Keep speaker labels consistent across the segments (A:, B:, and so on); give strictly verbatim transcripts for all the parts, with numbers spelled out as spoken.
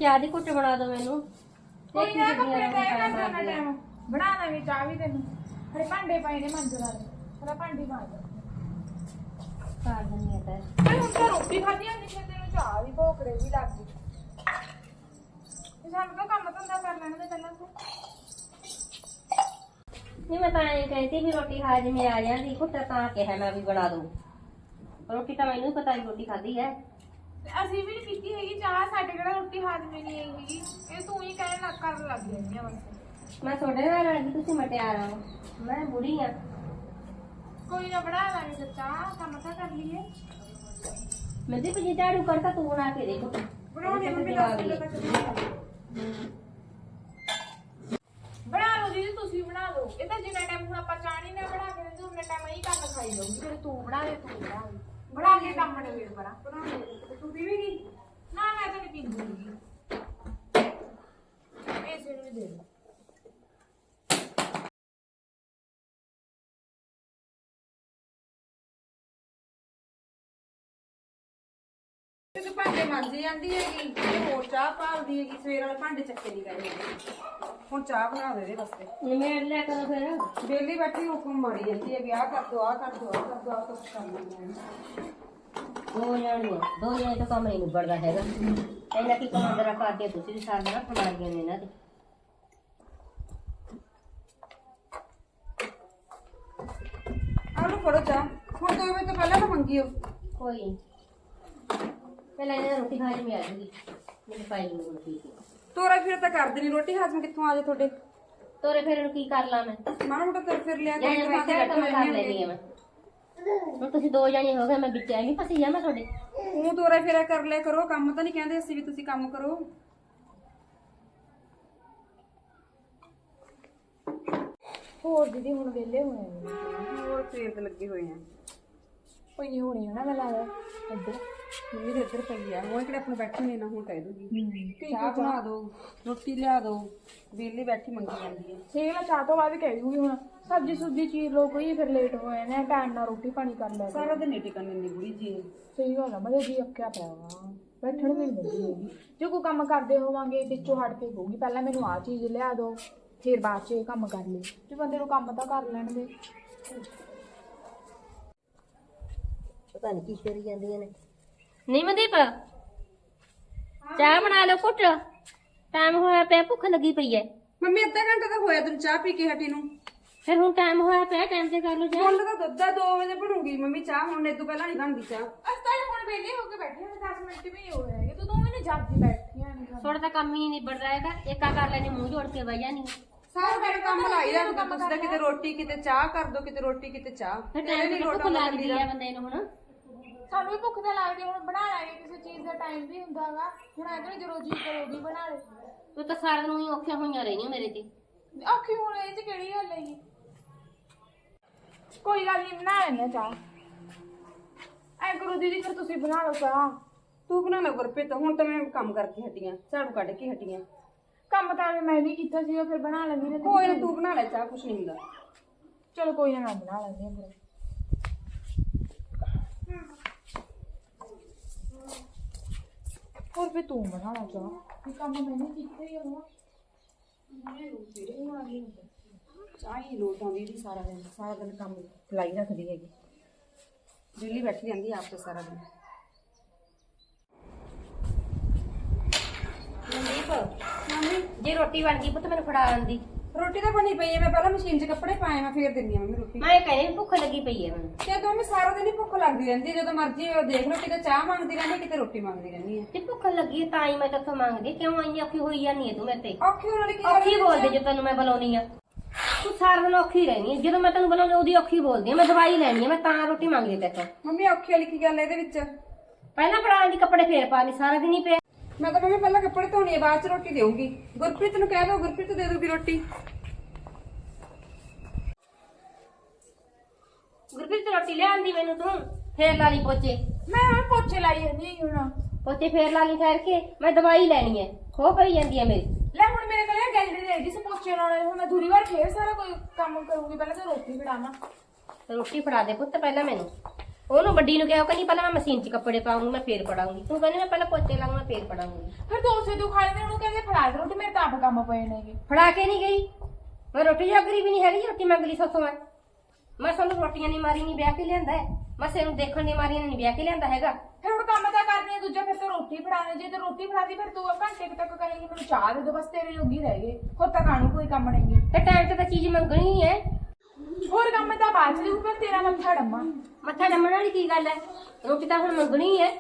A: ਚਾਹ ਦੀ ਘੁੱਟ ਬਣਾ ਦੋ ਮੈਨੂੰ।
B: ਕੋਈ ਨਾ ਕੱਪੜੇ ਤੈ ਕਰ ਦੇਣਾ ਟਾਈਮ ਬਣਾ ਲਾਂਗੇ ਚਾਹ ਵੀ ਤੈਨੂੰ। ਹਰੇ ਭਾਂਡੇ ਪਏ ਨੇ ਮੰਜਰ ਵਾਲੇ ਹਲਾ ਭਾਂਡੀ ਮਾਰ ਦੇ
A: ਕਰ ਦਿੰਦੀ ਆ ਤੈ।
B: ਮੈਂ ਹੁਣ ਤਾਂ ਰੋਟੀ ਖਾਧੀ ਆ ਨਿਸ਼ੇ ਤੈਨੂੰ ਚਾਹ ਵੀ ਭੋਕੜੇ ਵੀ ਲੱਗ ਗਈ। ਸਾਨੂੰ ਤਾਂ ਕੰਮ ਧੰਦਾ ਕਰ ਲੈਣ ਦੇ ਪਹਿਲਾਂ ਤੂੰ।
A: ਨਹੀਂ ਮੈਂ ਤਾਂ ਇਹ ਕਹਿੰਦੀ ਵੀ ਰੋਟੀ ਹਾਜ਼ਮੇ ਆ ਜਾਂਦੀ ਘੁੱਟ ਤਾਂ ਕਿਹਾ ਮੈਂ ਵੀ ਬਣਾ ਦੂੰ। ਰੋਟੀ ਤਾਂ ਮੈਨੂੰ ਪਤਾ ਹੀ ਰੋਟੀ ਖਾਧੀ ਹੈ।
B: ਅਸੀਂ ਵੀ ਨਹੀਂ ਪੀਤੀ ਹੈਗੀ ਚਾਹ ਸਾਡੇ ਕਿਹੜਾ ਰੋਟੀ ਹਾਜ਼ਮੇ ਨਹੀਂ ਆਈ ਹੈਗੀ। ਇਹ ਤੂੰ ਹੀ ਕਹਿਣ ਲੱਗ ਕਰਨ ਲੱਗ ਜਾਂਦੀ ਆ ਬਸ।
A: ਮੈਂ ਤੁਹਾਡੇ ਨਾਲ ਰਲ ਤੁਸੀਂ ਮਟਿਆਰ ਹੋ ਮੈਂ ਬੁੜੀ ਆ।
B: ਕੋਈ ਨਾ ਬਣਾ ਲਾਂਗੇ ਚਾਹ ਕੰਮ ਤਾਂ ਕਰ ਲਈਏ।
A: ਮੈਂ ਤੇ ਪਜੀ ਝਾੜੂ ਕਰਤਾ ਤੂੰ ਬਣਾ ਕੇ ਦੇ ਘੁੱਟ।
B: ਬਣਾਉਣੀ ਮੰਮੀ ਦੱਸ ਦਿੰਦਾ ਤੱਕ ਬਣਾ ਲਓ ਦੀਦੀ ਤੁਸੀਂ ਬਣਾ ਲਓ। ਇਹ ਤਾਂ ਜਿੰਨਾ ਟਾਈਮ ਹੁਣ ਆਪਾਂ ਚਾਹ ਨਹੀਂ ਨਾ ਬਣਾ ਕੇ ਦਿੰਦੇ ਉਨਾ ਟਾਈਮ ਇਹੀ ਕੰਮ ਖਾਈ ਜਾਊਗੀ। ਫਿਰ ਤੂੰ ਬਣਾ ਦੇ ਤੂੰ ਬਣਾ ਦੇ ਬਣਾ ਕੇ ਕੰਮ ਨੇ ਵੇੜ ਪਰਾਂ ਬਣਾ ਦੇ। ਤੂੰ ਪੀਵੇਂਗੀ? ਨਾ ਮੈਂ ਤਾਂ ਨਹੀਂ ਪੀਂਦੀ ਹੈਗੀ। ਇਸੇ ਨੂੰ ਵੀ ਦੇ ਦੇ। ਤੇ ਭਾਂਡੇ ਮਾਂਜੀ ਜਾਂਦੀ ਹੈਗੀ ਤੇ ਹੋਰ ਚਾਹ ਭਾਲਦੀ ਹੈਗੀ। ਸਵੇਰ ਵਾਲੇ ਭਾਂਡੇ ਚੱਕੇ ਨਹੀਂ ਗਏ ਹੈਗੇ। ਹੁਣ ਚਾਹ ਬਣਾ ਦੇ ਦੇ ਵਾਸਤੇ
A: ਨਿਮੇੜ ਲਿਆ ਕਰੋ ਫਿਰ।
B: ਬੇਲੀ ਬੈਠੀ ਹੁਕਮ ਮਾਰੀ ਜਾਂਦੀ ਹੈਗੀ ਆਹ ਕਰ ਦੋ ਆਹ ਕਰ ਦੋ ਆਹ ਕਰ ਦੋ ਆਹ ਕੁਛ ਕਰ ਲੈਂਦੇ
A: ਦੋ ਜਾਣੀਆਂ ਦੋ ਜਾਣੇ ਤਾਂ ਕੰਮ ਨਹੀਂ ਨਿਬੜਦਾ ਹੈਗਾ। ਇਹਨਾਂ ਕੀ ਕੰਮ ਜਰਾ ਕਰਦੇ ਤੁਸੀਂ ਵੀ ਸਾਰਾ ਦਿਨ ਫੜਾਈਆਂ ਨੇ ਇਹਨਾਂ ਦੇ।
B: ਆਹ ਲੋ ਫੜੋ ਚਾਹ। ਹੁਣ ਦੋ ਵਜੇ ਤੋਂ ਪਹਿਲਾਂ ਤਾਂ ਮੰਗੀਓ।
A: ਕੋਈ ਨੀ। ਪਹਿਲਾਂ ਇਹਨਾਂ ਰੋਟੀ ਖਾਣੀ ਮੈਂ ਆ ਜੂਗੀ ਮੈਨੂੰ ਪਾਈ ਨੂੰ ਰੋਟੀ।
B: ਤੋਰਾ ਫਿਰ ਤਾਂ ਕਰਦੇ ਨਹੀਂ ਰੋਟੀ ਹਾਜ਼ਮ ਕਿੱਥੋਂ ਆ ਜਾ ਤੁਹਾਡੇ।
A: ਤੋਰੇ ਫਿਰ ਨੂੰ ਕੀ ਕਰ ਲਾਂ ਮੈਂ।
B: ਮਾੜਾ ਮੋਟਾ ਤੁਰ ਫਿਰ ਲਿਆ
A: ਜਾਂ ਮੈਂ ਕਿਹਾ ਕੰਮ ਕਰ ਲੈਣੀ ਆ ਮੈਂ। ਹੁਣ ਤੁਸੀਂ ਦੋ ਜਾਣੇ ਹੋ ਗਏ ਮੈਂ ਵਿੱਚ ਐ ਨਹੀਂ ਫਸੀ ਜਾ ਮੈਂ ਤੁਹਾਡੇ।
B: ਤੂੰ ਤੋਰਾ ਫੇਰਾ ਕਰ ਲਿਆ ਕਰੋ। ਕੰਮ ਤਾਂ ਨਹੀਂ ਕਹਿੰਦੇ ਅਸੀਂ ਵੀ ਤੁਸੀਂ ਕੰਮ ਕਰੋ। ਹੋਰ ਦੀਦੀ ਹੁਣ ਵਿਹਲੇ ਹੋਏ ਨੇ। ਹੋਰ ਫੇਰ ਤੇ ਲੱਗੇ ਹੋਏ ਆ। ਕੋਈ ਨਹੀਂ ਹੋਣੀ ਹੈ ਨਾ ਮੈਂ ਲਾ ਇੱਧਰ ਮੰਮੀ ਦੇ ਇੱਧਰ ਪਈ ਆ। ਉਹ ਕਿਹੜੇ ਆਪਣੇ ਬੈਠੇ ਨੇ ਨਾ ਹੁਣ ਕਹਿ ਦੂਗੀ ਚਾਹ ਬਣਾ ਦੋ ਰੋਟੀ ਲਿਆ ਦੋ। ਵਿਹਲੀ ਬੈਠੀ ਮੰਗੀ ਜਾਂਦੀ ਹੈ। ਸਹੀ ਮੈਂ ਚਾਹ ਤੋਂ ਬਾਅਦ ਕਹਿ ਦੂਗੀ ਹੁਣ ਸਬਜ਼ੀ ਸੁਬਜ਼ੀ ਚੀਰ ਲੋ ਕੋਈ ਫਿਰ ਲੇਟ ਹੋਏ ਨੇ ਟਾਈਮ ਨਾਲ ਰੋਟੀ ਪਾਣੀ ਕਰ ਲੈ। ਸਾਰਾ ਦਿਨ ਨਹੀਂ ਟਿਕਣ ਦਿੰਦੀ ਬੁੜੀ ਜੀ। ਸਹੀ ਗੱਲ ਆ ਮੇਰੇ ਜੀ ਅੱਕਿਆ ਪਿਆ ਵਾ ਬੈਠਣ ਵੀ ਨਹੀਂ ਦਿੰਦੀ ਹੈਗੀ। ਜੇ ਕੋਈ ਕੰਮ ਕਰਦੇ ਹੋਵਾਂਗੇ ਵਿੱਚੋਂ ਹਟ ਕੇ ਕਹੂਗੀ ਪਹਿਲਾਂ ਮੈਨੂੰ ਆਹ ਚੀਜ਼ ਲਿਆ ਦੋ ਫਿਰ ਬਾਅਦ ਚ ਇਹ ਕੰਮ ਕਰ ਲਈ। ਜੇ ਬੰਦੇ ਨੂੰ ਕੰਮ ਤਾਂ ਕਰ ਲੈਣ ਦੇ।
A: ਪਤਾ ਨਹੀਂ ਕੀ ਕਰੀ ਜਾਂਦੀਆਂ ਨੇ। ਨਹੀਂ ਮਨਦੀਪ ਚਾਹ ਬਣਾ ਲਓ ਘੁੱਟ। ਟਾਈਮ ਹੋਇਆ ਪਿਆ ਭੁੱਖ ਲੱਗੀ ਪਈ ਐ।
B: ਮੰਮੀ ਅੱਧਾ ਘੰਟਾ ਤਾਂ ਹੋਇਆ ਤੈਨੂੰ ਚਾਹ ਪੀ ਕੇ ਹਟੀ ਨੂੰ।
A: ਫਿਰ ਹੁਣ ਟਾਈਮ ਹੋਇਆ ਪਿਆ ਟਾਈਮ ਤੇ ਕਰ ਲਓ ਚਾਹ।
B: ਹੁਣ ਤਾਂ ਦੁੱਧ ਦਾ ਦੋ ਵਜੇ ਬਣੂਗੀ ਮੰਮੀ ਚਾਹ। ਹੁਣ ਇਹ ਤੋਂ ਪਹਿਲਾਂ ਨਹੀਂ ਬਣਦੀ ਚਾਹ। ਅਸੀਂ ਤਾਂ ਹੁਣ ਵਿਹਲੇ ਹੋ ਕੇ ਬੈਠੇ ਹਾਂ ਦਸ ਮਿੰਟ ਵੀ ਨਹੀਂ ਹੋਏ ਹੈਗੇ। ਤੂੰ ਦੋਵੇਂ ਨੇ ਜਾਗਦੀ ਬੈਠੀਆਂ ਨੇ।
A: ਥੋੜਾ ਤਾਂ ਕੰਮ ਹੀ ਨਹੀਂ ਨਿਬੜਦਾ ਹੈਗਾ। ਏਕਾ ਕਰ ਲੈਣੀ ਮੂੰਹ ਜੋੜ ਕੇ ਬਹਿ ਜਾਣੀ।
B: ਸਾਰਾ ਦਿਨ ਕੰਮ ਲਾਈ ਰੱਖਦਾ ਤੁਸੀਂ ਤਾਂ ਕਿਤੇ ਰੋਟੀ ਕਿਤੇ ਚਾਹ ਕਰ ਦੋ ਕਿਤੇ ਰੋਟੀ ਕਿਤੇ ਚਾਹ।
A: ਫਿਰ ਟਾਈਮ ਤੇ ਭੁੱਖ ਲੱਗਦੀ ਆ ਬੰਦੇ ਨੂੰ। ਹੁਣ
B: ਸਾਨੂੰ ਵੀ ਭੁੱਖ ਤਾਂ ਲੱਗਦੀ। ਹੁਣ ਬਣਾ ਲਾਂਗੇ ਕਿਸੇ ਚੀਜ਼ ਦਾ ਟਾਈਮ ਵੀ ਹੁੰਦਾ ਹੈਗਾ। ਹੁਣ ਐਵੇਂ ਜਦੋਂ ਜੀ ਕਰੋਗੀ ਬਣਾ ਲੈ।
A: ਤੂੰ ਤਾਂ ਸਾਰਾ ਦਿਨ ਹੀ ਔਖੀਆਂ ਹੋਈਆਂ ਰਹਿਣੀਆਂ ਮੇਰੇ ਤੇ।
B: ਔਖੀ ਹੁਣ ਇਹ ਚ ਕਿਹੜੀ ਗੱਲ ਹੈਗੀ। ਕੋਈ ਗੱਲ ਨਹੀਂ ਬਣਾ ਲੈਂਦੇ ਚਾਹ। ਐ ਕਰੋ ਦੀਦੀ ਫਿਰ ਤੁਸੀਂ ਬਣਾ ਲਓ ਚਾਹ। ਤੂੰ ਬਣਾ ਲੈ ਗੁਰਪ੍ਰੀਤ। ਹੁਣ ਤਾਂ ਮੈਂ ਕੰਮ ਕਰਕੇ ਹਟੀਆਂ ਝਾੜੂ ਕੱਢ ਕੇ ਹਟੀਆਂ। ਕੰਮ ਤਾਂ ਮੈਂ ਵੀ ਕੀਤਾ ਸੀਗਾ ਫਿਰ ਬਣਾ ਲੈਂਦੀ ਨੇ। ਕੋਈ ਨਾ ਤੂੰ ਬਣਾ ਲੈ ਚਾਹ ਕੁਛ ਨਹੀਂ ਹੁੰਦਾ। ਚਲੋ ਕੋਈ ਨਾ ਮੈਂ ਬਣਾ ਲੈਂਦੀ ਹਾਂ ਫਿਰ। ਹੋਰ ਫਿਰ ਤੂੰ ਬਣਾ ਲਾ ਚਾਹ। ਇਹ ਕੰਮ ਮੈंने ਕੀਤਾ ਹੀ ਹੋਣਾ। ਚਾਹ ਹੀ ਲੋਟ ਆਉਂਦੀ ਜੀ ਸਾਰਾ ਦਿਨ। ਸਾਰਾ ਦਿਨ ਕੰਮ ਲਾਈ ਰੱਖਦੀ ਹੈਗੀ। ਦਿੱਲੀ ਬੈਠੀ ਰਹਿੰਦੀ ਆਪ ਤੇ ਸਾਰਾ ਦਿਨ।
A: ਮਨਦੀਪ ਮੰਮੀ ਜੇ ਰੋਟੀ ਬਣ ਗਈ ਪੁੱਤ ਮੈਨੂੰ ਫੜਾ ਆਂਦੀ।
B: ਰੋਟੀ ਤਾਂ ਬਣੀ ਪਈ ਹੈ। ਮੈਂ ਪਹਿਲਾਂ ਮਸ਼ੀਨ 'ਚ ਕੱਪੜੇ ਪਾਏ ਮੈਂ ਫੇਰ ਦਿੰਦੀ ਆ ਮੰਮੀ ਰੋਟੀ।
A: ਮੈਂ ਕਹਿੰਦੀ ਭੁੱਖ ਲੱਗੀ ਪਈ ਹੈ ਮੈਨੂੰ।
B: ਤੇ ਦੋਵੇਂ ਸਾਰਾ ਦਿਨ ਹੀ ਭੁੱਖ ਲੱਗਦੀ ਰਹਿੰਦੀ। ਜਦੋਂ ਮਰਜ਼ੀ ਦੇਖ ਲਓ ਕਿਤੇ ਚਾਹ ਮੰਗਦੀ ਰਹਿੰਦੀ ਕਿਤੇ ਰੋਟੀ ਮੰਗਦੀ ਰਹਿੰਦੀ ਹੈ।
A: ਤੇ ਭੁੱਖ ਲੱਗੀ ਤਾਂ ਹੀ ਮੈਂ ਤੇਥੋਂ ਮੰਗਦੀ। ਕਿਉਂ ਇੰਨੀ ਔਖੀ ਹੋਈ ਜਾਂਦੀ ਹੈ ਤੂੰ ਮੇਰੇ ਤੇ।
B: ਔਖੀ ਹੋਣ ਵਾਲੀ ਕੀ
A: ਔਖੀ ਬੋਲਦੇ ਜੇ ਤੈਨੂੰ ਮੈਂ ਬੁਲਾਉਣੀ ਆ। ਤੂੰ ਸਾਰਾ ਦਿਨ ਔਖੀ ਰਹਿਣੀ ਹੈ। ਜਦੋਂ ਮੈਂ ਤੈਨੂੰ ਬੁਲਾਉਂਦੀ ਉਹਦੀ ਔਖੀ ਬੋਲਦੀ ਆ। ਮੈਂ ਦਵਾਈ ਲੈਣੀ ਆ ਮੈਂ ਤਾਂ ਰੋਟੀ ਮੰਗਦੀ ਤੇਥੋਂ।
B: ਮੰਮੀ ਔਖੀ ਵਾਲੀ ਕੀ ਗੱਲ ਹੈ ਇਹਦੇ ਵਿੱਚ।
A: ਪਹਿਲਾਂ ਫੜਾ ਆਂਦੀ ਕੱਪੜੇ ਫੇਰ ਪਾ ਲਈ ਸਾਰਾ ਦਿਨ ਹੀ ਪਿਆ।
B: ਮੈਂ ਤਾਂ ਮੰਮੀ ਪਹਿਲਾਂ ਕੱਪੜੇ ਧੋਣੇ ਆ ਬਾਅਦ 'ਚ ਰੋਟੀ ਦੇਊਂਗੀ। ਗੁਰਪ੍ਰੀਤ ਨੂੰ ਕਹਿ ਦੋ ਗੁਰਪ੍ਰੀਤ ਦੇ ਦੂਗੀ ਰੋਟੀ।
A: ਗੁਰਪ੍ਰੀਤ ਰੋਟੀ ਲਿਆਂਦੀ ਮੈਨੂੰ ਤੂੰ ਫੇਰ ਲਾ ਲਈ ਪੋਚੇ।
B: ਮੈਂ ਹੁਣ ਪੋਚੇ ਲਾਈ ਜਾਂਦੀ ਹੁਣ।
A: ਪੋਚੇ ਫੇਰ ਲਾ ਲਈ ਠਹਿਰ ਕੇ। ਮੈਂ ਦਵਾਈ ਲੈਣੀ ਹੈ ਖੋ ਪਈ ਜਾਂਦੀ ਹੈ ਮੇਰੀ।
B: ਲੈ ਹੁਣ ਮੇਰੇ ਕੋਲ ਗੈਲਰੀ ਦੇ ਜਿਸ ਪੋਚੇ ਲਾਉਣੇ। ਹੁਣ ਮੈਂ ਦੂਰੀ ਵਾਰ ਫੇਰ ਸਾਰਾ ਕੋਈ ਕੰਮ ਕਰੂੰਗੀ। ਪਹਿਲਾਂ ਤਾਂ ਰੋਟੀ ਫੜਾਵਾਂ।
A: ਰੋਟੀ ਫੜਾ ਦੇ ਪੁੱਤ ਪਹਿਲਾਂ ਮੈਨੂੰ। ਉਹਨੂੰ ਵੱਡੀ ਨੂੰ ਕਿਹਾ, ਉਹ ਕਹਿੰਦੀ ਪਹਿਲਾਂ ਮੈਂ ਮਸ਼ੀਨ 'ਚ ਕੱਪੜੇ ਪਾਉਂਗੀ, ਮੈਂ ਫੇਰ ਪੜਾਉਂਗੀ। ਤੂੰ ਕਹਿੰਦੀ ਮੈਂ ਪਹਿਲਾਂ ਪੋਚੇ ਲਾਉਂਗੀ, ਮੈਂ ਫੇਰ ਪੜਾਉਂਗੀ।
B: ਫਿਰ ਤੂੰ ਉਸੇ ਤੂੰ ਖਾ ਲੈਂਦੇ, ਉਹਨੂੰ ਕਹਿੰਦੇ ਫੜਾ ਦੇ ਰੋਟੀ, ਮੇਰੇ ਤਾਂ ਆਪ ਕੰਮ ਪਏ ਨੇਗੇ।
A: ਫੜਾ ਕੇ ਨਹੀਂ ਗਈ ਮੈਂ, ਰੋਟੀ ਜਾਗਰੀ ਵੀ ਨਹੀਂ ਹੈਗੀ, ਰੋਟੀ ਮੰਗ ਲਈ ਸੋਥੋਂ ਮੈਂ। ਮੈਂ ਸਾਨੂੰ ਰੋਟੀਆਂ ਨਹੀਂ ਮਾਰੀ ਨਹੀਂ ਵਿਆਹ ਕੇ ਲਿਆਂਦਾ ਹੈ, ਮੈਂ ਨੂੰ ਦੇਖਣ ਦੀ ਮਾਰੀਆਂ ਨਹੀਂ ਵਿਆਹ ਕੇ ਲਿਆਂਦਾ ਹੈਗਾ।
B: ਫਿਰ ਹੁਣ ਕੰਮ ਤਾਂ ਕਰਨੀ ਹੈ ਦੂਜਾ, ਫਿਰ ਤੂੰ ਰੋਟੀ ਫੜਾਣੇ। ਜੇ ਤੂੰ ਰੋਟੀ ਫੜਾਦੀ ਫਿਰ ਤੂੰ ਘੰਟੇ ਕੁ ਤੱਕ ਕਰੇਂਗੀ, ਮੈਨੂੰ ਚਾਹ ਦੇ ਦੋ ਬਸ, ਤੇਰੇ ਜੋਗੀ ਰਹਿ ਗਏ, ਹੋਰ ਤਾਂ ਕਾਹਨੂੰ ਕੋਈ ਕੰਮ ਨਹੀਂ।
A: ਤੇ ਟਾਈਮ ਤੇ ਤਾਂ ਚੀਜ਼ ਮੰਗਣੀ ਹੀ ਹੈ,
B: ਹੋਰ ਕੰਮ ਤਾਂ ਬਾਅਦ ਚ ਦੇਊ, ਪਰ ਤੇਰਾ ਮੱਥਾ ਡੰਮਾ।
A: ਮੱਥਾ ਡੰਮਣ ਵਾਲੀ ਕੀ ਗੱਲ ਹੈ, ਰੋਟੀ ਤਾਂ ਹੁਣ ਮੰਗਣੀ ਹੈ।